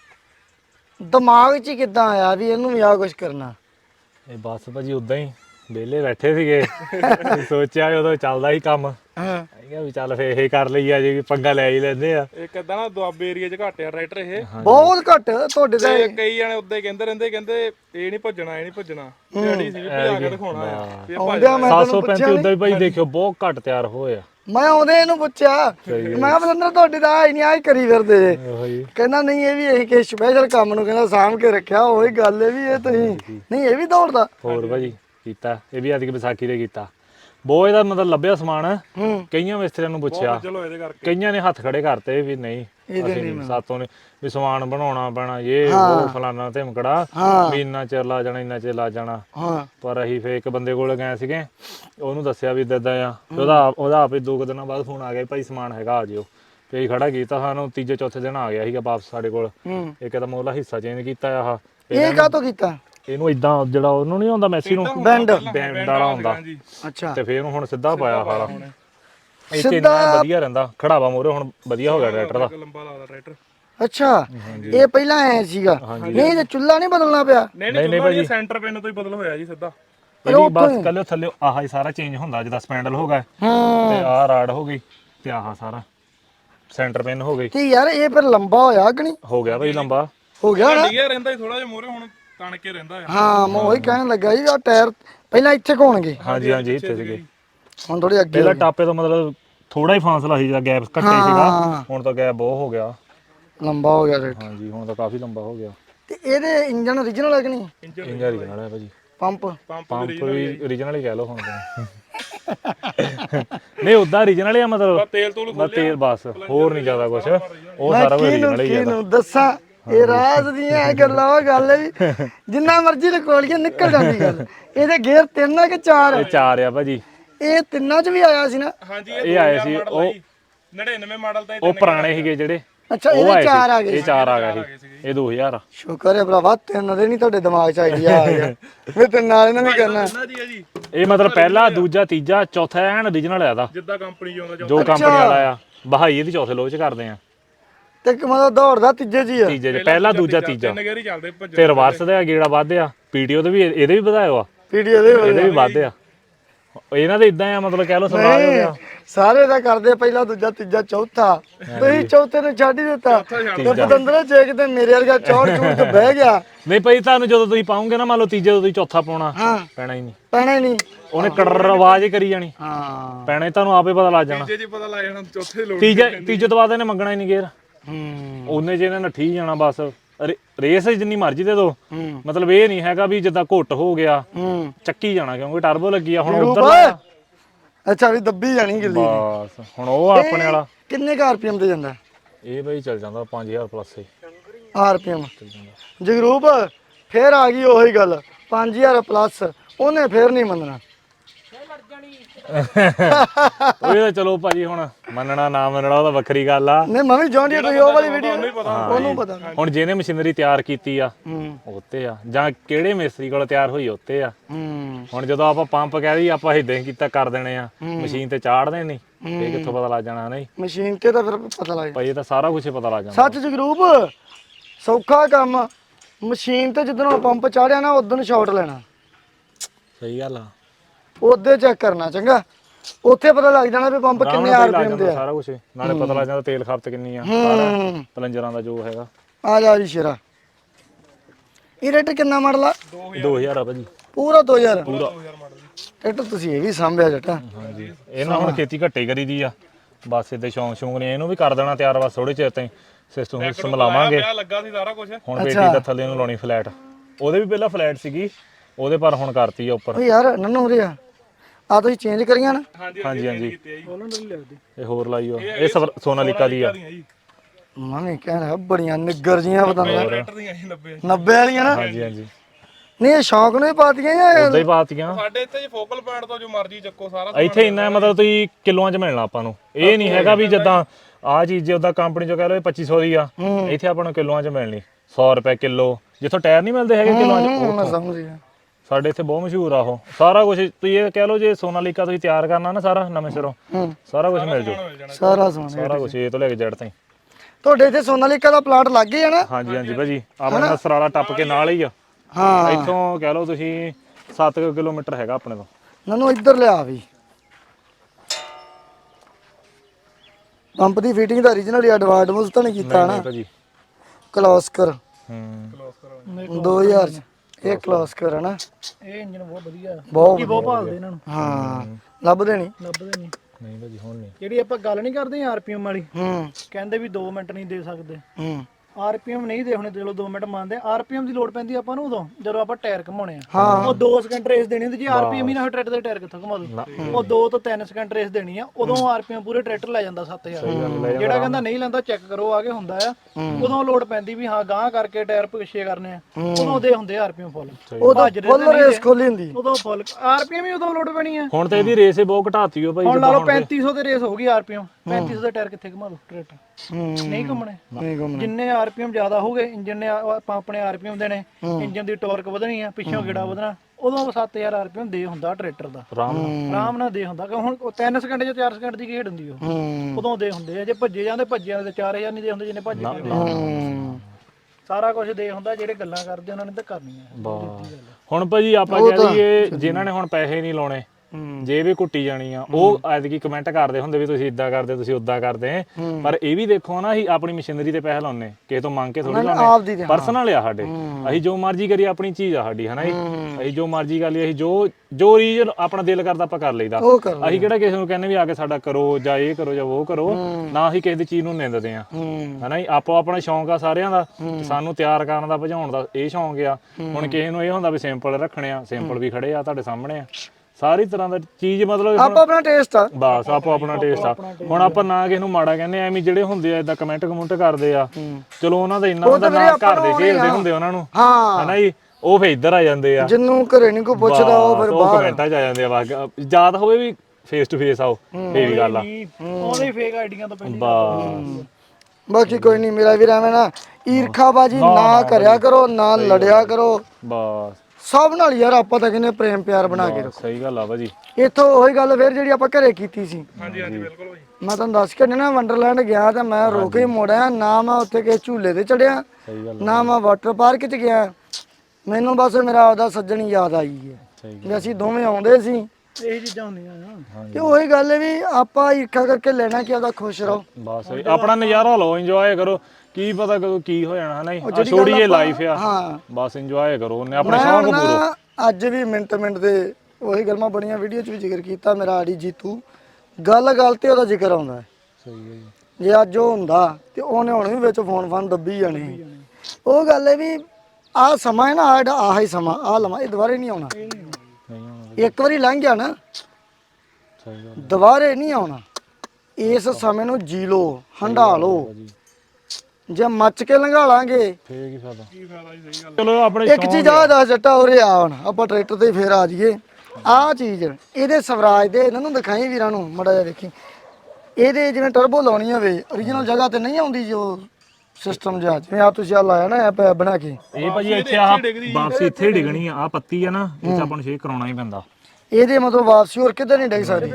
[SPEAKER 1] ਦਿਮਾਗ 'ਚ ਕਿੱਦਾਂ ਆਇਆ ਵੀ ਇਹਨੂੰ ਵੀ ਆ ਕੁਝ ਕਰਨਾ?
[SPEAKER 2] ਇਹ ਬਸ ਭਾਜੀ ਉਦਾਂ ਹੀ ਵਿਹਲੇ ਬੈਠੇ ਸੀਗੇ ਸੋਚਿਆ ਉਦੋਂ ਚੱਲਦਾ ਹੀ ਕੰਮ।
[SPEAKER 1] ਹਾਂ
[SPEAKER 2] ਕਿਹਾ ਵੀ ਚੱਲ ਫੇ ਇਹ ਕਰ ਲਈਆ ਜੀ ਪੰਗਾ ਲੈ ਹੀ ਲੈਂਦੇ ਆ।
[SPEAKER 3] ਇੱਕ ਇਦਾਂ ਨਾ ਦੁਆਬੇ ਏਰੀਆ 'ਚ ਘੱਟ ਆ ਟਰੈਕਟਰ ਇਹ।
[SPEAKER 1] ਬਹੁਤ ਘੱਟ ਤੁਹਾਡੇ ਦਾ।
[SPEAKER 3] ਤੇ ਕਈ ਜਣੇ ਉੱਦਾਂ ਹੀ ਕਹਿੰਦੇ ਰਹਿੰਦੇ, ਕਹਿੰਦੇ ਇਹ ਨਹੀਂ ਭੱਜਣਾ ਇਹ ਨਹੀਂ ਭੱਜਣਾ। ਡੈਡੀ ਸੀ ਵੀ ਭਜਾ ਕੇ ਦਿਖਾਉਣਾ ਆ ਵੀ ਇਹ
[SPEAKER 1] ਆਉਂਦਿਆਂ ਮੈਂ
[SPEAKER 2] ਸੱਤ
[SPEAKER 1] ਤੈਨੂੰ
[SPEAKER 2] ਸੌ
[SPEAKER 1] ਪੁੱਛਿਆ
[SPEAKER 2] ਪੈਂਤੀ
[SPEAKER 1] ਨੀ।
[SPEAKER 2] ਉਦਾਂ ਹੀ ਭਾਜੀ ਦੇਖਿਓ ਬਹੁਤ ਘੱਟ ਤਿਆਰ ਹੋਏ ਆ।
[SPEAKER 1] ਮੈਂ ਆਉਂਦੇ ਇਹਨੂੰ ਪੁੱਛਿਆ, ਮੈਂ ਕਿਹਾ ਬਲੰਦਰ ਤੁਹਾਡੇ ਦਾ ਆਈ ਨਹੀਂ ਆਈ ਕਰੀ ਫਿਰਦੇ ਜੇ।
[SPEAKER 2] ਉਹੋ ਜੀ
[SPEAKER 1] ਕਹਿੰਦਾ ਨਹੀਂ ਇਹ ਵੀ ਇਹੀ ਕਿ ਸਪੈਸ਼ਲ ਕੰਮ ਨੂੰ ਕਹਿੰਦਾ ਸਾਂਭ ਕੇ ਰੱਖਿਆ। ਉਹੀ ਗੱਲ ਹੈ ਵੀ ਇਹ ਤੁਸੀਂ ਨਹੀਂ ਇਹ ਵੀ ਦੌੜਦਾ।
[SPEAKER 2] ਹੋਰ ਭਾਜੀ ਕੀਤਾ ਇਹ ਵੀ ਅੱਜ ਵਿਸਾਖੀ ਦੇ ਕੀਤਾ। ਬਹੁਤ ਇਹਦਾ ਮਤਲਬ ਲੱਭਿਆ ਸਮਾਨ। ਕਈਆਂ ਮਿਸਤਰੀਆਂ ਨੂੰ ਪੁੱਛਿਆ,
[SPEAKER 3] ਚਲੋ ਇਹਦੇ ਕਰਕੇ
[SPEAKER 2] ਕਈਆਂ ਨੇ ਹੱਥ ਖੜੇ ਕਰਤੇ ਵੀ ਨਹੀਂ ਅਸੀਂ ਨਹੀਂ ਸਾਤੋਂ ਨੇ ਵੀ ਸਮਾਨ ਬਣਾਉਣਾ ਪੈਣਾ ਇਹ ਉਹ ਫਲਾਨਾ ਧਮਕੜਾ ਵੀ ਇੰਨਾ ਚਿਰ ਲਾ ਜਾਣਾ ਇੰਨਾ ਚਿਰ ਲਾ ਜਾਣਾ।
[SPEAKER 1] ਹਾਂ
[SPEAKER 2] ਪਰ ਅਸੀਂ ਫੇਰ ਇੱਕ ਬੰਦੇ ਕੋਲ ਗਏ ਸੀਗੇ, ਉਹਨੂੰ ਦੱਸਿਆ ਵੀ ਇਦਾਂ ਆ। ਉਹਦਾ ਉਹਦਾ ਆਪੇ ਦੋ ਕੁ ਦਿਨਾਂ ਬਾਅਦ ਫੋਨ ਆ ਗਿਆ ਭਾਈ ਸਮਾਨ ਹੈਗਾ ਆ ਜਿਓ। ਤੇ ਅਸੀਂ ਖੜਾ ਕੀਤਾ, ਸਾਨੂੰ ਤੀਜੇ ਚੌਥੇ ਦਿਨ ਆ ਗਿਆ ਸੀਗਾ ਵਾਪਸ ਸਾਡੇ ਕੋਲ। ਇੱਕ ਤਾਂ ਮੋਲਾ ਹਿੱਸਾ ਚੇਂਜ ਕੀਤਾ ਆਹ
[SPEAKER 1] ਇਹ ਕਾਹਤੋਂ ਕੀਤਾ?
[SPEAKER 2] ਇਹਨੂੰ ਇਦਾਂ ਜਿਹੜਾ ਉਹਨੂੰ ਨਹੀਂ ਆਉਂਦਾ ਮੈਸੀ ਨੂੰ
[SPEAKER 1] ਬੈਂਡ
[SPEAKER 2] ਬੈਂਡ ਵਾਲਾ ਹੁੰਦਾ
[SPEAKER 1] ਅੱਛਾ।
[SPEAKER 2] ਤੇ ਫੇਰ ਇਹਨੂੰ ਹੁਣ ਸਿੱਧਾ ਪਾਇਆ ਸਾਰਾ। ਇਹ ਕਿੰਨਾ ਵਧੀਆ ਰਹਿੰਦਾ ਖੜਾਵਾ ਮੋਰੇ ਹੁਣ ਵਧੀਆ ਹੋ ਗਿਆ ਟਰੈਕਟਰ ਦਾ।
[SPEAKER 3] ਲੰਬਾ ਲੱਗਦਾ ਟਰੈਕਟਰ।
[SPEAKER 1] ਅੱਛਾ ਇਹ ਪਹਿਲਾਂ ਐ ਸੀਗਾ ਨਹੀਂ ਤੇ ਚੁੱਲਾ ਨਹੀਂ ਬਦਲਣਾ ਪਿਆ?
[SPEAKER 3] ਨਹੀਂ ਨਹੀਂ ਭਾਜੀ ਸੈਂਟਰ ਪਿੰਨ ਤੋਂ ਹੀ ਬਦਲ ਹੋਇਆ ਜੀ ਸਿੱਧਾ।
[SPEAKER 2] ਇਹਦੀ ਬਸ ਕੱਲੇ ਥੱਲੇ ਆਹ ਹੀ ਸਾਰਾ ਚੇਂਜ ਹੁੰਦਾ ਜਿੱਦਾਂ ਸਪੈਂਡਲ ਹੋ ਗਿਆ ਤੇ ਆਹ ਰਾਡ ਹੋ ਗਈ ਤੇ ਆਹ ਸਾਰਾ ਸੈਂਟਰ ਪਿੰਨ ਹੋ ਗਈ।
[SPEAKER 1] ਤੇ ਯਾਰ ਇਹ ਫਿਰ ਲੰਬਾ ਹੋਇਆ ਕਿ ਨਹੀਂ?
[SPEAKER 2] ਹੋ ਗਿਆ ਭਾਈ ਲੰਬਾ
[SPEAKER 1] ਹੋ ਗਿਆ ਨਾ।
[SPEAKER 3] ਡਿਆ ਰਹਿੰਦਾ ਹੀ ਥੋੜਾ ਜਿਹਾ ਮੋਰੇ ਹੁਣ ਤਣ ਕੇ ਰਹਿੰਦਾ ਆ।
[SPEAKER 1] ਹਾਂ ਮੈਂ ਉਹੀ ਕਹਿਣ ਲੱਗਾ ਜੀ ਆ ਟਾਇਰ ਪਹਿਲਾਂ ਇੱਥੇ ਕੋਣਗੇ।
[SPEAKER 2] ਹਾਂਜੀ ਹਾਂਜੀ ਇੱਥੇ ਸੀਗੇ।
[SPEAKER 1] ਹੁਣ ਥੋੜੀ ਅੱਗੇ
[SPEAKER 2] ਪਹਿਲਾਂ ਟਾਪੇ ਤੋਂ ਮਤਲਬ ਥੋੜਾ ਹੀ ਫਾਸਲਾ ਸੀ, ਜਿਹੜਾ ਗੈਪ ਘੱਟੇ ਸੀਗਾ ਹੁਣ ਤਾਂ ਗੈਪ ਬਹੁਤ ਹੋ ਗਿਆ,
[SPEAKER 1] ਲੰਬਾ ਹੋ ਗਿਆ ਰੇਟ।
[SPEAKER 2] ਹਾਂਜੀ ਹੁਣ ਤਾਂ ਕਾਫੀ ਲੰਬਾ ਹੋ ਗਿਆ।
[SPEAKER 1] ਤੇ ਇਹਦੇ ਇੰਜਨ ਓਰੀਜਨਲ ਹੈ ਕਿ ਨਹੀਂ?
[SPEAKER 2] ਇੰਜਨ ਓਰੀਜਨਲ ਹੈ ਭਾਜੀ।
[SPEAKER 1] ਪੰਪ
[SPEAKER 2] ਪੰਪ ਵੀ ਓਰੀਜਨਲ ਹੀ ਕਹਿ ਲਓ ਹੁਣ ਤਾਂ। ਨਹੀਂ ਉਦਾਂ ਓਰੀਜਨਲ ਹੀ ਆ ਮਤਲਬ
[SPEAKER 3] ਤੇਲ ਤੂਲ
[SPEAKER 2] ਬਸ ਤੇਲ ਬਸ ਹੋਰ ਨਹੀਂ ਜ਼ਿਆਦਾ ਕੁਝ, ਉਹ ਸਾਰਾ ਕੁਝ ਓਰੀਜਨਲ ਹੀ ਆ।
[SPEAKER 1] ਕਿਹਨੂੰ ਦੱਸਾਂ ਇਹ ਰਾਜ ਦੀਆਂ ਗੱਲਾਂ ਉਹ ਗੱਲ ਹੈ ਵੀ ਜਿੰਨਾ ਮਰਜ਼ੀ ਲਕੋਲੀਏ ਨਿਕਲ ਜਾਂਦੀ ਗੱਲ। ਇਹਦੇ ਗੇਅਰ ਤਿੰਨ ਆ ਕਿ ਚਾਰ?
[SPEAKER 2] ਇਹ ਚਾਰ ਆ ਭਾਜੀ।
[SPEAKER 1] ਇਹ ਤਿੰਨਾਂ ਚ ਵੀ ਆਇਆ ਸੀ ਨਾ?
[SPEAKER 3] ਹਾਂਜੀ
[SPEAKER 2] ਇਹ ਆਏ ਸੀ ਉਹ
[SPEAKER 3] ਨੜਿਨਵੇਂ ਮਾਡਲ ਤਾਂ
[SPEAKER 2] ਉਹ ਪੁਰਾਣੇ ਸੀਗੇ ਜਿਹੜੇ।
[SPEAKER 1] ਅੱਛਾ
[SPEAKER 2] ਉਹ
[SPEAKER 1] ਇਹਦੇ ਚਾਰ ਆ
[SPEAKER 2] ਆਏ ਸੀ,
[SPEAKER 1] ਗਏ?
[SPEAKER 2] ਇਹ ਚਾਰ ਆ ਗਏ ਸੀ, ਇਹ ਦੋ ਹਜ਼ਾਰ ਆ।
[SPEAKER 1] ਸ਼ੁਕਰ ਹੈ ਭਰਾਵਾ ਤਿੰਨ ਦੇ ਨਹੀਂ ਤੁਹਾਡੇ ਦਿਮਾਗ ਚ ਆਈਡੀਆ ਆ ਗਿਆ ਵੀ ਤਿੰਨ ਨਾਲ ਇਹਨਾਂ ਨੇ ਕਰਨਾ।
[SPEAKER 3] ਜੀ ਆ ਜੀ
[SPEAKER 2] ਇਹ ਮਤਲਬ ਪਹਿਲਾ ਦੂਜਾ ਤੀਜਾ ਚੌਥਾ ਐਨ ਓਰੀਜਨਲ ਆ ਇਹਦਾ,
[SPEAKER 3] ਜਿੱਦਾਂ ਕੰਪਨੀ ਚ ਆਉਂਦਾ
[SPEAKER 2] ਜੋ ਕੰਪਨੀ ਵਾਲਾ ਆ। ਬਹਾਈ ਇਹਦੀ ਚੌਥੇ ਲੋਚ ਕਰਦੇ ਆ।
[SPEAKER 1] ਤੇ ਇੱਕ ਮਤਲਬ ਦੌੜਦਾ ਤੀਜੇ ਚ ਹੀ ਆ?
[SPEAKER 2] ਤੀਜੇ ਚ ਪਹਿਲਾ ਦੂਜਾ ਤੀਜਾ
[SPEAKER 3] ਤਿੰਨ ਗੇਅਰ ਹੀ ਚੱਲਦੇ ਭੱਜ।
[SPEAKER 2] ਤੇ ਰਿਵਰਸ ਦਾ ਗੇੜਾ ਵੱਧ ਆ। ਪੀਟੀਓ ਦੇ ਵੀ ਇਹਦੇ ਵੀ ਵਧਾਇਓ ਆ,
[SPEAKER 1] ਵੀਡੀਓ ਦੇ
[SPEAKER 2] ਇਹਦੇ ਵੀ ਵੱਧ ਆ। ਇਹਨਾਂ ਦੇ ਇਦਾਂ ਆ ਮਤਲਬ ਕਹਿ ਲਓ ਸਵਾਲ ਹੋ ਗਿਆ।
[SPEAKER 1] ਸਾਰੇ ਦਾ ਕਰਦੇ ਪਹਿਲਾ ਦੂਜਾ ਤੀਜਾ ਚੌਥਾ, ਤੁਸੀਂ ਚੌਥੇ ਨੂੰ ਛੱਡ ਹੀ ਦਿੱਤਾ। ਤੇ ਪਤੰਦਰਾ ਚੇਕ ਤੇ ਮੇਰੇ ਵਰਗਾ ਚੌੜ ਚੂੜ ਤੇ ਬਹਿ ਗਿਆ।
[SPEAKER 2] ਨਹੀਂ ਭਾਈ ਤੁਹਾਨੂੰ ਜਦੋਂ ਤੁਸੀਂ ਪਾਉਂਗੇ ਨਾ ਮੰਨ ਲਓ ਤੀਜੇ ਤੋਂ ਤੁਸੀਂ ਚੌਥਾ ਪਾਉਣਾ ਪੈਣਾ ਹੀ ਨਹੀਂ,
[SPEAKER 1] ਪੈਣਾ ਹੀ ਨਹੀਂ।
[SPEAKER 2] ਉਹਨੇ ਕੜਰ ਆਵਾਜ਼ ਹੀ ਕਰੀ ਜਾਣੀ।
[SPEAKER 1] ਹਾਂ
[SPEAKER 2] ਪੈਣਾ ਹੀ ਤੁਹਾਨੂੰ ਆਪੇ ਪਤਾ ਲੱਗ ਜਾਣਾ।
[SPEAKER 3] ਤੀਜੇ ਜੀ ਪਤਾ ਲੱਗ ਜਾਣਾ ਚੌਥੇ ਲੋੜ।
[SPEAKER 2] ਤੀਜੇ ਤੀਜੇ ਤੋਂ ਬਾਅਦ ਇਹਨੇ ਮੰਗਣਾ ਹੀ ਨਹੀਂ ਗੇਰ।
[SPEAKER 1] ਹੂੰ
[SPEAKER 2] ਉਹਨੇ ਜੇ ਇਹਨੇ ਨੱਠੀ ਜਾਣਾ ਬਸ। ਰੇ- ਰੇਸ ਜਿੰਨੀ ਮਰਜ਼ੀ ਦੇ ਦੋ,
[SPEAKER 1] ਹੂੰ
[SPEAKER 2] ਮਤਲਬ ਇਹ ਨਹੀਂ ਹੈਗਾ ਵੀ ਜਿੱਦਾਂ ਘੁੱਟ ਹੋ ਗਿਆ
[SPEAKER 1] ਹੂੰ
[SPEAKER 2] ਚੱਕੀ ਜਾਣਾ, ਕਿਉਂਕਿ ਟਰਬੋ ਲੱਗੀ ਆ ਹੁਣ
[SPEAKER 1] ਰੂਪ
[SPEAKER 2] ਉਧਰ।
[SPEAKER 1] ਅੱਛਾ ਵੀ ਦੱਬੀ ਜਾਣੀ ਗਿੱਲੀ।
[SPEAKER 2] ਬਸ ਹੁਣ ਉਹ ਆਪਣੇ ਵਾਲਾ
[SPEAKER 1] ਕਿੰਨੇ ਕੁ ਆਰਪੀਐਮ ਤੇ ਜਾਂਦਾ?
[SPEAKER 2] ਇਹ ਬਈ ਚੱਲ ਜਾਂਦਾ ਪੰਜ ਹਜ਼ਾਰ ਪਲੱਸ ਹੀ
[SPEAKER 1] ਆਰਪੀਐਮ ਜਗਰੂਪ ਫੇਰ ਆ ਗਈ ਉਹੀ ਗੱਲ ਪੰਜ ਹਜ਼ਾਰ ਪਲੱਸ। ਉਹਨੇ ਫੇਰ ਨਹੀਂ ਮੰਨਣਾ।
[SPEAKER 2] ਉਹ ਤਾਂ ਚਲੋ ਭਾਜੀ ਹੁਣ ਮੰਨਣਾ ਨਾ ਮੰਨਣਾ ਉਹਦਾ ਵੱਖਰੀ ਗੱਲ ਆ।
[SPEAKER 1] ਨਹੀਂ ਮੈਂ ਵੀ ਜੌਂਡੀ ਤੁਸੀਂ ਉਹ ਵਾਲੀ ਵੀਡੀਓ ਉਹਨੂੰ ਪਤਾ।
[SPEAKER 2] ਹੁਣ ਜਿਹਨੇ ਮਸ਼ੀਨਰੀ ਤਿਆਰ ਕੀਤੀ ਆ
[SPEAKER 1] ਹੂੰ
[SPEAKER 2] ਉੱਤੇ ਆ, ਜਾਂ ਕਿਹੜੇ ਮਿਸਤਰੀ ਕੋਲ ਤਿਆਰ ਹੋਈ ਉੱਤੇ ਆ।
[SPEAKER 1] ਹੂੰ
[SPEAKER 2] ਹੁਣ ਜਦੋਂ ਆਪਾਂ ਪੰਪ ਕਹਿ ਦਈਏ ਆਪਾਂ ਇਦਾਂ ਹੀ ਕੀਤਾ ਕਰ ਦੇਣੇ ਆ, ਮਸ਼ੀਨ ਤੇ ਚਾੜਦੇ ਨਹੀਂ, ਇਹ ਕਿੱਥੋਂ ਪਤਾ ਲੱਗ ਜਾਣਾ? ਨਹੀਂ
[SPEAKER 1] ਮਸ਼ੀਨ ਤੇ ਤਾਂ ਫਿਰ ਪਤਾ ਲੱਗ
[SPEAKER 2] ਭਾਈ ਇਹ ਤਾਂ ਸਾਰਾ ਕੁਝ ਪਤਾ ਲੱਗ ਜਾਂਦਾ।
[SPEAKER 1] ਸੱਚ ਜਗਰੂਪ ਸੌਖਾ ਕੰਮ। ਮਸ਼ੀਨ ਤੇ ਜਦੋਂ ਪੰਪ ਚਾੜਿਆ ਨਾ ਉਦੋਂ ਸ਼ਾਟ ਲੈਣਾ,
[SPEAKER 2] ਸਹੀ ਗੱਲ ਆ।
[SPEAKER 1] ਉਹਦੇ ਚੈੱਕ ਕਰਨਾ ਚੰਗਾ। ਉੱਥੇ ਪਤਾ ਲੱਗ ਜਾਣਾ ਵੀ ਪੰਪ ਕਿੰਨੇ ਆਰਪੀਐਮ ਤੇ ਆ।
[SPEAKER 2] ਸਾਰਾ ਕੁਝ ਨਾਲੇ ਪਤਾ ਲੱਗ ਜਾਂਦਾ ਤੇਲ ਖਪਤ ਕਿੰਨੀ ਆ, ਸਾਰਾ ਪਲੰਜਰਾਂ ਦਾ ਜੋ ਹੈਗਾ।
[SPEAKER 1] ਆ ਜਾ ਜੀ ਸ਼ੇਰਾ। ਇਹ ਰੇਟ ਕਿੰਨਾ ਮਾਡਲ ਆ?
[SPEAKER 2] ਦੋ ਹਜ਼ਾਰ ਆ ਭਾਜੀ
[SPEAKER 1] ਪੂਰਾ ਦੋ ਹਜ਼ਾਰ?
[SPEAKER 2] ਪੂਰਾ।
[SPEAKER 1] ਟਰੈਕਟਰ ਤੁਸੀਂ ਇਹ ਵੀ ਸਾਂਭਿਆ ਜੱਟਾ।
[SPEAKER 2] ਹਾਂਜੀ ਇਹਨਾਂ ਹੁਣ ਖੇਤੀ ਘੱਟੇ ਕਰੀਦੀ ਆ ਬਸ, ਇਦਾਂ ਸ਼ੌਂਕ ਸ਼ੌਂਕ ਨੇ ਇਹਨੂੰ ਵੀ ਕਰ ਦੇਣਾ ਤਿਆਰ ਬਸ ਥੋੜੇ ਚਿਰ ਤਾਈਂ ਸਿਸਟਮ ਸਿਸਟਮ ਲਾਵਾਂਗੇ।
[SPEAKER 3] ਲੱਗਾ ਸੀ ਸਾਰਾ ਕੁਝ।
[SPEAKER 2] ਹੁਣ ਪੇਟੀ ਦਾ ਥੱਲੇ ਨੂੰ ਲਾਉਣੀ ਫਲੈਟ। ਉਹਦੇ ਵੀ ਪਹਿਲਾਂ ਫਲੈਟ ਸੀਗੀ ਉਹਦੇ, ਪਰ ਹੁਣ ਕਰਤੀ ਆ ਉੱਪਰ।
[SPEAKER 1] ਓ ਯਾਰ ਨੰਨੂ ਰਿਆ ਆ ਤੁਸੀਂ ਚੇਂਜ ਕਰੀਆਂ ਨਾ?
[SPEAKER 3] ਹਾਂਜੀ
[SPEAKER 2] ਹਾਂਜੀ ਹਾਂਜੀ
[SPEAKER 3] ਉਹਨਾਂ ਨੂੰ ਲੱਗਦੀ
[SPEAKER 2] ਇਹ ਹੋਰ ਲਾਈ ਆ। ਇਹ ਸੋਨਾਲੀਕਾ ਦੀ ਆ।
[SPEAKER 1] ਮੈਂ ਵੀ ਕਹਿਣਾ ਬੜੀਆਂ ਨਿੱਗਰ ਜੀਆਂ ਪਤਾ ਨਹੀਂ
[SPEAKER 3] ਟਰੈਕਟਰ ਦੀਆਂ ਹੀ ਨੱਬੇ
[SPEAKER 1] ਨੱਬੇ ਵਾਲੀਆਂ ਨਾ।
[SPEAKER 2] ਹਾਂਜੀ ਹਾਂਜੀ
[SPEAKER 1] ਨਹੀਂ ਇਹ ਸ਼ੌਂਕ ਨੂੰ ਹੀ ਪਾਤੀਆਂ ਜਾਂ
[SPEAKER 2] ਉਦਾਂ ਹੀ ਪਾਤੀਆਂ।
[SPEAKER 3] ਸਾਡੇ ਇੱਥੇ ਜੀ ਫੋਕਲ ਪੁਆਇੰਟ ਤੋਂ ਜੋ ਮਰਜ਼ੀ ਚੱਕੋ ਸਾਰਾ।
[SPEAKER 2] ਇੱਥੇ ਇੰਨਾ ਮਤਲਬ ਤੁਸੀਂ ਕਿਲੋਆਂ 'ਚ ਮਿਲਣਾ ਆਪਾਂ ਨੂੰ। ਇਹ ਨਹੀਂ ਹੈਗਾ ਵੀ ਜਿੱਦਾਂ ਆ ਚੀਜ਼ ਜੇ ਉਹਦਾ ਕੰਪਨੀ ਚੋਂ ਕਹਿ ਲਓ ਪੱਚੀ ਸੌ ਦੀ ਆ, ਇੱਥੇ ਆਪਾਂ ਨੂੰ ਕਿਲੋਆਂ 'ਚ ਮਿਲਣੀ ਸੌ ਰੁਪਏ ਕਿਲੋ, ਜਿੱਥੋਂ ਟਾਇਰ ਨਹੀਂ ਮਿਲਦੇ ਹੈਗੇ ਕਿਲੋਆਂ 'ਚ
[SPEAKER 1] ਮੈਂ
[SPEAKER 2] ਉੱਥੋਂ।
[SPEAKER 1] ਸਮਝ ਗਿਆ।
[SPEAKER 2] ਸਾਡੇ ਇੱਥੇ ਬਹੁਤ ਮਸ਼ਹੂਰ ਆ ਉਹ ਸਾਰਾ ਕੁਝ। ਤੁਸੀਂ ਇਹ ਕਹਿ ਲਓ ਜੇ ਸੋਨਾਲੀਕਾ ਤੁਸੀਂ ਤਿਆਰ ਕਰਨਾ ਨਾ ਸਾਰਾ ਨਵੇਂ ਸਿਰੋਂ, ਸਾਰਾ ਕੁਝ ਮਿਲ ਜੂ,
[SPEAKER 1] ਸਾਰਾ ਸਮਾਨ
[SPEAKER 2] ਸਾਰਾ ਕੁਝ ਇਹ ਤੋਂ ਲੈ ਕੇ ਜੜ ਤਾਈਂ।
[SPEAKER 1] ਤੁਹਾਡੇ ਇੱਥੇ ਸੋਨਾਲੀਕਾ ਦਾ ਪਲਾਂਟ ਲੱਗ ਗਿਆ ਨਾ?
[SPEAKER 2] ਹਾਂਜੀ ਹਾਂਜੀ ਭਾਜੀ, ਆਪਣਾ ਨਸਰਾਲਾ ਟੱਪ ਕੇ ਨਾਲ ਹੀ ਆ।
[SPEAKER 1] ਹਾਂ
[SPEAKER 2] ਇੱਥੋਂ ਕਹਿ ਲਓ ਤੁਸੀਂ ਸੱਤ ਕਿਲੋਮੀਟਰ ਹੈਗਾ ਆਪਣੇ ਤੋਂ।
[SPEAKER 1] ਮੈਨੂੰ ਇੱਧਰ ਲਿਆ ਵੀ ਪੰਪ ਦੀ ਫਿਟਿੰਗ ਦਾ origignal ਐਡਵਾਂਸ ਤਾਂ ਨਹੀਂ ਕੀਤਾ ਨਾ?
[SPEAKER 2] ਭਾਜੀ
[SPEAKER 1] ਕਲੋਸਕਰ
[SPEAKER 2] ਹੂੰ
[SPEAKER 1] ਦੋ ਹਜ਼ਾਰ ਚ ਇਹ ਕਲੋਸਕਰ ਹੈ ਨਾ?
[SPEAKER 4] ਇਹ ਇੰਜਨ ਬਹੁਤ ਵਧੀਆ,
[SPEAKER 1] ਬਹੁਤ
[SPEAKER 4] ਬਹੁਤ ਭਾਲਦੇ ਇਹਨਾਂ ਨੂੰ,
[SPEAKER 1] ਹਾਂ ਲੱਭਦੇ ਨਹੀਂ।
[SPEAKER 4] ਲੱਭਦੇ ਨਹੀਂ।
[SPEAKER 2] ਨਹੀਂ ਭਾਜੀ ਹੁਣ ਨਹੀਂ।
[SPEAKER 4] ਜਿਹੜੀ ਆਪਾਂ ਗੱਲ ਨਹੀਂ ਕਰਦੇ ਆਰਪੀਐਮ ਵਾਲੀ,
[SPEAKER 1] ਹੂੰ
[SPEAKER 4] ਕਹਿੰਦੇ ਵੀ ਦੋ ਮਿੰਟ ਨਹੀਂ ਦੇ ਸਕਦੇ,
[SPEAKER 1] ਹੂੰ
[SPEAKER 4] ਆਰਪੀਐਮ ਨਹੀਂ ਦੇ ਹੁਣੇ, ਚਲੋ ਦੋ ਮਿੰਟ ਮੰਨਦੇ। ਆਰਪੀਐਮ ਦੀ ਲੋੜ ਪੈਂਦੀ ਆਪਾਂ ਨੂੰ ਉਦੋਂ ਜਦੋਂ ਆਪਾਂ ਟਾਇਰ ਘਮਾਉਣੇ ਆ,
[SPEAKER 1] ਹਾਂ
[SPEAKER 4] ਉਹ ਦੋ ਸਕਿੰਟ ਰੇਸ ਦੇਣੀ ਹੁੰਦੀ। ਜੇ ਆਰਪੀਐਮ ਹੀ ਨਾ ਹੋਵੇ ਟਰੈਕਟਰ ਦੇ ਟਾਇਰ ਕਿੱਥੋਂ ਘਮਾ ਦੂ? ਉਹ ਦੋ ਤੋਂ ਤਿੰਨ ਸਕਿੰਟ ਰੇਸ ਦੇਣੀ ਆ, ਉਦੋਂ ਆਰਪੀਐਮ ਪੂਰੇ ਟਰੈਕਟਰ ਲੈ ਜਾਂਦਾ ਸੱਤ ਹਜ਼ਾਰ। ਜਿਹੜਾ ਕਹਿੰਦਾ ਨਹੀਂ ਲੈਂਦਾ ਚੈੱਕ ਕਰੋ ਆ ਕੇ ਹੁੰਦਾ ਆ, ਉਦੋਂ ਲੋੜ ਪੈਂਦੀ ਵੀ ਹਾਂ ਗਾਂਹ ਕਰਕੇ ਟਾਇਰ ਪਿੱਛੇ ਕਰਨੇ ਆ, ਉਦੋਂ ਦੇ ਹੁੰਦੇ ਆਰਪੀਐਮ ਫੁੱਲ।
[SPEAKER 1] ਉਦੋਂ ਫੁੱਲ ਰੇਸ ਖੋਲੀ ਹੁੰਦੀ।
[SPEAKER 4] ਉਦੋਂ ਫੁੱਲ ਆਰਪੀਐਮ ਹੀ ਉਦੋਂ ਲੋੜ ਪੈਣੀ ਆ।
[SPEAKER 2] ਹੁਣ ਤਾਂ ਇਹਦੀ ਰੇਸ ਹੀ ਬਹੁਤ ਘਟਾਤੀ ਹੋ ਭਾਈ।
[SPEAKER 4] ਹੁਣ ਲਾ ਲਓ ਪੈਂਤੀ ਸੌ ਦੇ ਰੇਸ ਹੋ ਗਈ ਆਰਪੀਐਮ, ਪੈਂਤੀ ਸੌ ਦੇ ਟਾਇਰ ਕਿੱਥੇ ਘਮਾ ਲੂ ਟਰੈਕਟਰ?
[SPEAKER 1] ਹੂੰ
[SPEAKER 4] ਨਹੀਂ ਘੁੰਮਣੇ।
[SPEAKER 1] ਨਹੀਂ ਘੁੰਮਣਾ।
[SPEAKER 4] ਜਿੰਨੇ ਆਰਪੀਐਮ ਜ਼ਿਆਦਾ ਹੋਗੇ ਇੰਜਨ ਨੇ ਆਪਾਂ ਆਪਣੇ ਆਰਪੀਐਮ ਦੇਣੇ, ਇੰਜਨ ਦੀ ਟਾਰਕ ਵਧਣੀ ਆ, ਪਿੱਛੋਂ ਗੇੜਾ ਵਧਣਾ, ਉਦੋਂ ਸੱਤ ਹਜ਼ਾਰ ਆਰਪੀਐਮ ਦੇ ਹੁੰਦਾ ਟਰੈਕਟਰ ਦਾ
[SPEAKER 2] ਆਰਾਮ ਨਾਲ।
[SPEAKER 4] ਆਰਾਮ ਨਾਲ ਦੇ ਹੁੰਦਾ। ਕਿ ਹੁਣ ਤਿੰਨ ਸਕਿੰਟ ਜਾਂ ਚਾਰ ਸਕਿੰਟ ਦੀ ਖੇਡ ਹੁੰਦੀ ਉਹ,
[SPEAKER 1] ਹੂੰ
[SPEAKER 4] ਉਦੋਂ ਦੇ ਹੁੰਦੇ ਆ। ਜੇ ਭੱਜੇ ਜਾਂਦੇ ਭੱਜਿਆਂ ਦੇ ਚਾਰ ਹਜ਼ਾਰ ਨਹੀਂ ਦੇ ਹੁੰਦੇ ਜਿੰਨੇ ਭੱਜ ਕੇ ਦੇ।
[SPEAKER 1] ਹੂੰ
[SPEAKER 4] ਸਾਰਾ ਕੁਝ ਦੇ ਹੁੰਦਾ। ਜਿਹੜੇ ਗੱਲਾਂ ਕਰਦੇ ਉਹਨਾਂ ਨੇ ਤਾਂ ਕਰਨੀਆਂ।
[SPEAKER 2] ਬਸ ਹੁਣ ਭਾਜੀ ਆਪਾਂ ਕਹਿ ਲਈਏ ਜਿਨ੍ਹਾਂ ਨੇ ਹੁਣ ਪੈਸੇ ਨਹੀਂ ਲਾਉਣੇ, ਜੇ ਵੀ ਕੁੱਟੀ ਜਾਣੀ ਆ, ਉਹ ਐਤਕੀ ਕਮੈਂਟ ਕਰਦੇ ਹੁੰਦੇ ਵੀ ਤੁਸੀਂ ਇਦਾਂ ਕਰਦੇ ਤੁਸੀਂ ਉਦਾਂ ਕਰਦੇ। ਪਰ ਇਹ ਵੀ ਦੇਖੋ ਨਾ, ਅਸੀਂ ਆਪਣੀ ਮਸ਼ੀਨਰੀ ਤੇ ਪੈਸੇ ਲਾਉਨੇ, ਕਿਸੇ ਤੋਂ ਮੰਗ ਕੇ ਥੋੜੀ ਲਾਉਨੇ, ਪਰਸਨਲ ਆ ਸਾਡੇ। ਅਸੀਂ ਜੋ ਮਰਜ਼ੀ ਕਰੀਏ, ਆਪਣੀ ਚੀਜ਼ ਆ ਸਾਡੀ, ਹਨਾ ਜੀ। ਅਸੀਂ ਜੋ ਮਰਜ਼ੀ ਕਰ ਲਈਏ, ਅਸੀਂ ਜੋ ਜੋ ਰੀਜਨ ਆਪਣਾ ਦਿਲ ਕਰਦਾ ਆਪਾਂ ਕਰ ਲਈਦਾ। ਅਸੀਂ ਕਿਹੜਾ ਕਿਸੇ ਨੂੰ ਕਹਿੰਦੇ ਵੀ ਆ ਕੇ ਸਾਡਾ ਕਰੋ ਜਾਂ ਇਹ ਕਰੋ ਜਾਂ ਉਹ ਕਰੋ, ਨਾ ਅਸੀਂ ਕਿਸੇ ਦੀ ਚੀਜ਼ ਨੂੰ ਨਿੰਦਦੇ ਆ, ਹਨਾ ਜੀ। ਆਪੋ ਆਪਣਾ ਸ਼ੌਂਕ ਆ ਸਾਰਿਆਂ ਦਾ। ਸਾਨੂੰ ਤਿਆਰ ਕਰਨ ਦਾ, ਭਜਾਉਣ ਦਾ ਇਹ ਸ਼ੌਂਕ ਆ। ਹੁਣ ਕਿਸੇ ਨੂੰ ਇਹ ਹੁੰਦਾ ਵੀ ਸਿੰਪਲ ਰੱਖਣੇ ਆ, ਸਿੰਪਲ ਵੀ ਖੜੇ ਆ ਤੁਹਾਡੇ ਸਾਹਮਣੇ ਆ। ਸਾਰੀ ਤਰ੍ਹਾਂ ਦਾ ਚੀਜ਼ ਮਤਲਬ
[SPEAKER 1] ਆਪੋ ਆਪਣਾ ਟੇਸਟ ਆ।
[SPEAKER 2] ਬਸ ਆਪੋ ਆਪਣਾ ਟੇਸਟ ਆ। ਹੁਣ ਆਪਾਂ ਨਾ ਕਿਸੇ ਨੂੰ ਮਾੜਾ ਕਹਿੰਦੇ ਐਵੇਂ ਜਿਹੜੇ ਹੁੰਦੇ ਆ ਇਦਾਂ ਕਮੈਂਟ ਕਮੈਂਟ ਕਰਦੇ ਆ, ਚਲੋ ਉਹਨਾਂ ਦਾ ਇੰਨਾ ਹੁੰਦਾ ਨਾ, ਘਰ ਦੇ ਝੇਲਦੇ ਹੁੰਦੇ ਉਹਨਾਂ ਨੂੰ, ਹਨਾ ਜੀ। ਉਹ ਫੇਰ ਇੱਧਰ ਆ ਜਾਂਦੇ ਆ,
[SPEAKER 1] ਜਿੰਨੂੰ ਘਰੇ ਨਹੀਂ ਕੋਈ ਪੁੱਛਦਾ ਉਹ ਫਿਰ
[SPEAKER 2] ਬਾਹਰ ਕਮੈਂਟਾਂ 'ਚ ਆ ਜਾਂਦੇ ਆ। ਬਸ ਯਾਦ ਹੋਵੇ ਵੀ ਫੇਸ ਟੂ ਫੇਸ ਆਓ, ਇਹ ਵੀ ਗੱਲ ਆ।
[SPEAKER 4] ਉਹਦੇ ਫੇਕ ਆਈਡੀਆਂ ਤੋਂ ਪਹਿਲੀ
[SPEAKER 2] ਬਸ
[SPEAKER 1] ਬਾਕੀ ਕੋਈ ਨਹੀਂ ਮੇਰਾ ਵੀਰ, ਐਵੇਂ ਨਾ ਈਰਖਾਬਾਜੀ ਨਾ ਕਰਿਆ ਕਰੋ, ਨਾ ਲੜਿਆ ਕਰੋ।
[SPEAKER 2] ਬਸ
[SPEAKER 1] ਸਭ ਨਾਲ ਯਾਰ ਆਪਾਂ ਤਾਂ ਕਹਿੰਦੇ ਪ੍ਰੇਮ ਪਿਆਰ ਬਣਾ ਕੇ ਰੱਖੋ।
[SPEAKER 2] ਸਹੀ ਗੱਲ ਆ ਭਾਜੀ।
[SPEAKER 1] ਇੱਥੋਂ ਉਹੀ ਗੱਲ ਫੇਰ ਜਿਹੜੀ ਆਪਾਂ ਘਰੇ ਕੀਤੀ ਸੀ।
[SPEAKER 3] ਹਾਂਜੀ ਹਾਂਜੀ ਬਿਲਕੁਲ ਭਾਈ।
[SPEAKER 1] ਮੈਂ ਤੁਹਾਨੂੰ ਦੱਸ ਕੇ ਨਾ ਵੰਡਰਲੈਂਡ ਗਿਆ ਤਾਂ ਮੈਂ ਰੋਕੇ ਹੀ ਮੋੜਿਆ ਨਾ। ਮੈਂ ਉੱਥੇ ਕਿਸੇ ਝੂਲੇ ਤੇ ਚੜਿਆ,
[SPEAKER 2] ਸਹੀ ਗੱਲ
[SPEAKER 1] ਨਾ ਮੈਂ ਵਾਟਰ ਪਾਰਕ 'ਚ ਗਿਆ। ਮੈਨੂੰ ਬਸ ਮੇਰਾ ਉਹਦਾ ਸੱਜਣ ਯਾਦ ਆਈ ਹੈ
[SPEAKER 2] ਸਹੀ
[SPEAKER 1] ਵੀ ਅਸੀਂ ਦੋਵੇਂ ਆਉਂਦੇ ਸੀ।
[SPEAKER 4] ਇਹ ਚੀਜ਼ਾਂ ਹੁੰਦੀਆਂ ਆ।
[SPEAKER 1] ਤੇ ਉਹੀ ਗੱਲ ਹੈ ਵੀ ਆਪਾਂ ਈਰਖਾ ਕਰਕੇ ਲੈਣਾ ਕਿ ਉਹਦਾ ਖੁਸ਼ ਰਹੋ।
[SPEAKER 2] ਬਸ ਆਪਣਾ ਨਜ਼ਾਰਾ ਲਓ, ਇੰਜੋਏ ਕਰੋ। ਕੀ ਪਤਾ ਕਦੋਂ ਕੀ ਹੋ ਜਾਣਾ, ਹਨਾ ਜੀ। ਛੋੜੀ ਇਹ ਲਾਈਫ ਆ,
[SPEAKER 1] ਹਾਂ
[SPEAKER 2] ਬਸ ਇੰਜੋਏ ਕਰੋ। ਉਹਨੇ ਆਪਣੇ ਸ਼ੌਂਕ ਪੂਰੋ।
[SPEAKER 1] ਅੱਜ ਵੀ ਮਿੰਟ ਮਿੰਟ ਦੇ ਉਹੀ ਗੱਲਾਂ ਬੜੀਆਂ ਵੀਡੀਓ 'ਚ ਵੀ ਜ਼ਿਕਰ ਕੀਤਾ ਮੇਰਾ ਆੜੀ ਜੀਤੂ। ਗੱਲ ਗੱਲ ਤੇ ਉਹਦਾ ਜ਼ਿਕਰ ਆਉਂਦਾ ਹੈ।
[SPEAKER 2] ਸਹੀ ਹੈ ਜੀ।
[SPEAKER 1] ਜੇ ਅੱਜ ਉਹ ਹੁੰਦਾ ਤੇ ਉਹਨੇ ਹੁਣ ਵੀ ਵਿੱਚ ਫੋਨ ਫਾਨ ਦੱਬੀ ਜਾਣੇ। ਉਹ ਗੱਲ ਹੈ ਵੀ ਆਹ ਸਮਾਂ ਹੈ ਨਾ, ਆਹ ਜਿਹੜਾ ਆਹ ਹੀ ਸਮਾਂ ਆਹ ਲਵਾਂ, ਇਹ ਦੁਬਾਰੇ ਨਹੀਂ ਆਉਣਾ।
[SPEAKER 2] ਨਹੀਂ ਹੋਣਾ।
[SPEAKER 1] ਇੱਕ ਵਾਰੀ ਲੰਘ ਗਿਆ ਨਾ,
[SPEAKER 2] ਸਹੀ ਗੱਲ
[SPEAKER 1] ਦੁਬਾਰੇ ਨਹੀਂ ਆਉਣਾ। ਇਸ ਸਮੇਂ ਨੂੰ ਜੀ ਲਓ, ਹੰਢਾ ਲਓ। ਜੇ ਮੱਚ ਕੇ ਲੰਘਾ ਲਾਂਗੇ
[SPEAKER 2] ਫੇਰ ਕੀ ਫਾਇਦਾ? ਕੀ ਫਾਇਦਾ ਜੀ? ਸਹੀ ਗੱਲ। ਚਲੋ ਆਪਣੇ
[SPEAKER 1] ਇੱਕ ਚੀਜ਼ ਆ ਦਾ ਜੱਟਾ ਉਰੇ ਆ, ਹੁਣ ਆਪਾਂ ਟਰੈਕਟਰ ਤੇ ਫੇਰ ਆ ਜਾਈਏ। ਆਹ ਚੀਜ਼ ਇਹਦੇ ਸਵਰਾਜ ਦੇ ਇਹਨਾਂ ਨੂੰ ਦਿਖਾਈ ਵੀਰਾਂ ਨੂੰ ਮੜਾ ਜਿਹਾ ਦੇਖੀ। ਇਹਦੇ ਜਿਵੇਂ ਟਰਬੋ ਲਾਉਣੀ ਹੋਵੇ origignal ਜਗ੍ਹਾ ਤੇ ਨਹੀਂ ਆਉਂਦੀ ਜੋ ਸਿਸਟਮ ਜਿਹਾ, ਜਿਵੇਂ ਆ ਤੁਸੀਂ ਆ ਲਾਇਆ ਨਾ ਐਪ ਬਣਾ ਕੇ।
[SPEAKER 2] ਇਹ ਭਾਜੀ ਇੱਥੇ ਆ ਵਾਪਸੀ ਇੱਥੇ ਡਿਗਣੀ ਆ। ਆ ਪੱਤੀ ਆ ਨਾ, ਇਹ ਆਪਾਂ ਨੂੰ ਸ਼ੇਕ ਕਰਾਉਣਾ ਹੀ ਪੈਂਦਾ।
[SPEAKER 1] ਇਹਦੇ ਮਤਲਬ ਵਾਪਸੀ ਹੋਰ ਕਿਤੇ ਨਹੀਂ ਡਿੱਗ ਸਕਦੀ।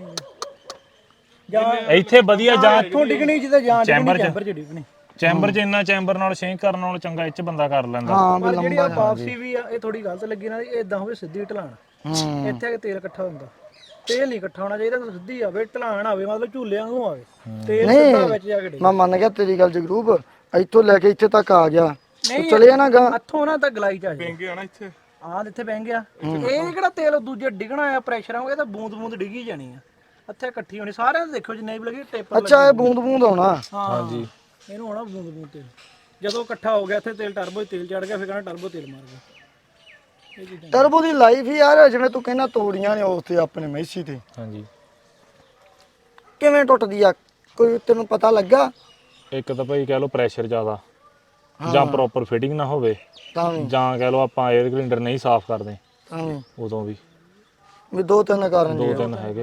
[SPEAKER 2] ਇੱਥੇ ਵਧੀਆ ਜਾਂ
[SPEAKER 4] ਇੱਥੋਂ ਡਿੱਗਣੀ ਜਿੱਦਾਂ ਜਾਂ
[SPEAKER 2] ਚੈਂਬਰ 'ਚ
[SPEAKER 4] ਚੈਂਬਰ 'ਚ ਡਿੱਗਣੀ।
[SPEAKER 2] ਚੈਂਬਰ 'ਚ ਇੰਨਾ ਚੈਂਬਰ ਨਾਲ ਸ਼ੇਕ ਕਰਨ ਨਾਲੋਂ ਚੰਗਾ ਇੱਥੇ ਬੰਦਾ ਕਰ ਲੈਂਦਾ।
[SPEAKER 1] ਹਾਂ ਵੀ
[SPEAKER 4] ਪਰ ਜਿਹੜੀ ਆ
[SPEAKER 1] ਲੰਬਾ
[SPEAKER 4] ਵਾਪਸੀ ਵੀ ਆ, ਇਹ ਥੋੜੀ ਗਲਤ ਲੱਗੀ ਨਾ। ਇਹ ਇਦਾਂ ਹੋਵੇ ਸਿੱਧੀ ਢਲਾਣ,
[SPEAKER 1] ਹੂੰ
[SPEAKER 4] ਇੱਥੇ ਆ ਕੇ ਤੇਲ ਇਕੱਠਾ ਹੁੰਦਾ। ਤੇਲ ਨਹੀਂ ਇਕੱਠਾ ਹੋਣਾ ਚਾਹੀਦਾ, ਸਿੱਧੀ ਆਵੇ ਢਲਾਣ ਆਵੇ, ਮਤਲਬ ਝੂਲੇ ਵਾਂਗੂ ਆਵੇ। ਤੇਲ ਸਿੱਧਾ ਵਿੱਚ ਜਾ ਕੇ ਡਿੱਗੇ।
[SPEAKER 1] ਮੈਂ ਮੰਨ ਗਿਆ ਤੇਰੀ ਗੱਲ ਜਗਰੂਪ। ਇੱਥੋਂ ਲੈ ਕੇ ਇੱਥੇ ਤੱਕ ਆ ਗਿਆ, ਚਲੇ ਜਾਣਾ ਗਾ।
[SPEAKER 4] ਹੱਥੋਂ ਨਾ ਤਾਂ ਗਲਾਈ ਚ ਆ ਜਾਏ।
[SPEAKER 3] ਬੈਂਗੇ ਆ ਨਾ ਇੱਥੇ,
[SPEAKER 4] ਆਹ ਇੱਥੇ ਬਹਿ ਗਿਆ। ਇਹ ਕਿਹੜਾ ਤੇਲ ਦੂਜੇ ਡਿੱਗਣਾ ਆ ਪ੍ਰੈਸ਼ਰ ਆਉਂਗਾ, ਇਹ ਤਾਂ ਬੂੰਦ ਬੂੰਦ ਡਿੱਗੀ ਜਾਣੀ ਆ। ਇੱਥੇ ਇਕੱਠੀ ਹੋਣੀ ਸਾਰਿਆਂ ਦੇ। ਦੇਖੋ ਜਿੰਨੇ ਵੀ ਲੱਗੇ ਟੇਪਰ
[SPEAKER 1] ਅੱਛਾ ਇਹ ਬੂੰਦ ਬੂੰਦ ਆਉਣਾ।
[SPEAKER 2] ਹਾਂਜੀ
[SPEAKER 4] ਇਹਨੂੰ ਹੋਣਾ ਬੂੰਦ ਬੂੰਦ ਤੇਲ। ਜਦੋਂ ਇਕੱਠਾ ਹੋ ਗਿਆ ਇੱਥੇ ਤੇਲ, ਟਰਬੋ ਤੇਲ ਚੜ ਗਿਆ, ਫਿਰ ਕਹਿੰਦਾ ਟਰਬੋ ਤੇਲ ਮਾਰ ਗਿਆ। ਇਹ ਚੀਜ਼ਾਂ
[SPEAKER 1] ਟਰਬੋ ਦੀ ਲਾਈਫ ਹੀ ਯਾਰ ਜਿਵੇਂ ਤੂੰ ਕਹਿੰਦਾ ਤੋੜੀਆਂ ਨੇ ਉਸ ਤੇ ਆਪਣੇ ਮੈਸੀ ਤੇ
[SPEAKER 2] ਹਾਂਜੀ।
[SPEAKER 1] ਕਿਵੇਂ ਟੁੱਟਦੀ ਆ, ਕੋਈ ਤੈਨੂੰ ਪਤਾ ਲੱਗਾ?
[SPEAKER 2] ਇੱਕ ਤਾਂ ਭਾਈ ਕਹਿ ਲਓ ਪ੍ਰੈਸ਼ਰ ਜ਼ਿਆਦਾ, ਜਾਂ ਪ੍ਰੋਪਰ ਫਿਟਿੰਗ ਨਾ ਹੋਵੇ,
[SPEAKER 1] ਤਾਂ ਵੀ
[SPEAKER 2] ਜਾਂ ਕਹਿ ਲਓ ਆਪਾਂ 에ਅਰ ਕਲਿੰਡਰ ਨਹੀਂ ਸਾਫ਼ ਕਰਦੇ,
[SPEAKER 1] ਤਾਂ ਵੀ
[SPEAKER 2] ਉਦੋਂ ਵੀ
[SPEAKER 1] ਵੀ ਦੋ ਤਿੰਨ ਕਾਰਨ
[SPEAKER 2] ਦੋ
[SPEAKER 1] ਜੀ।
[SPEAKER 2] ਤਿੰਨ ਹੈਗੇ ਆ।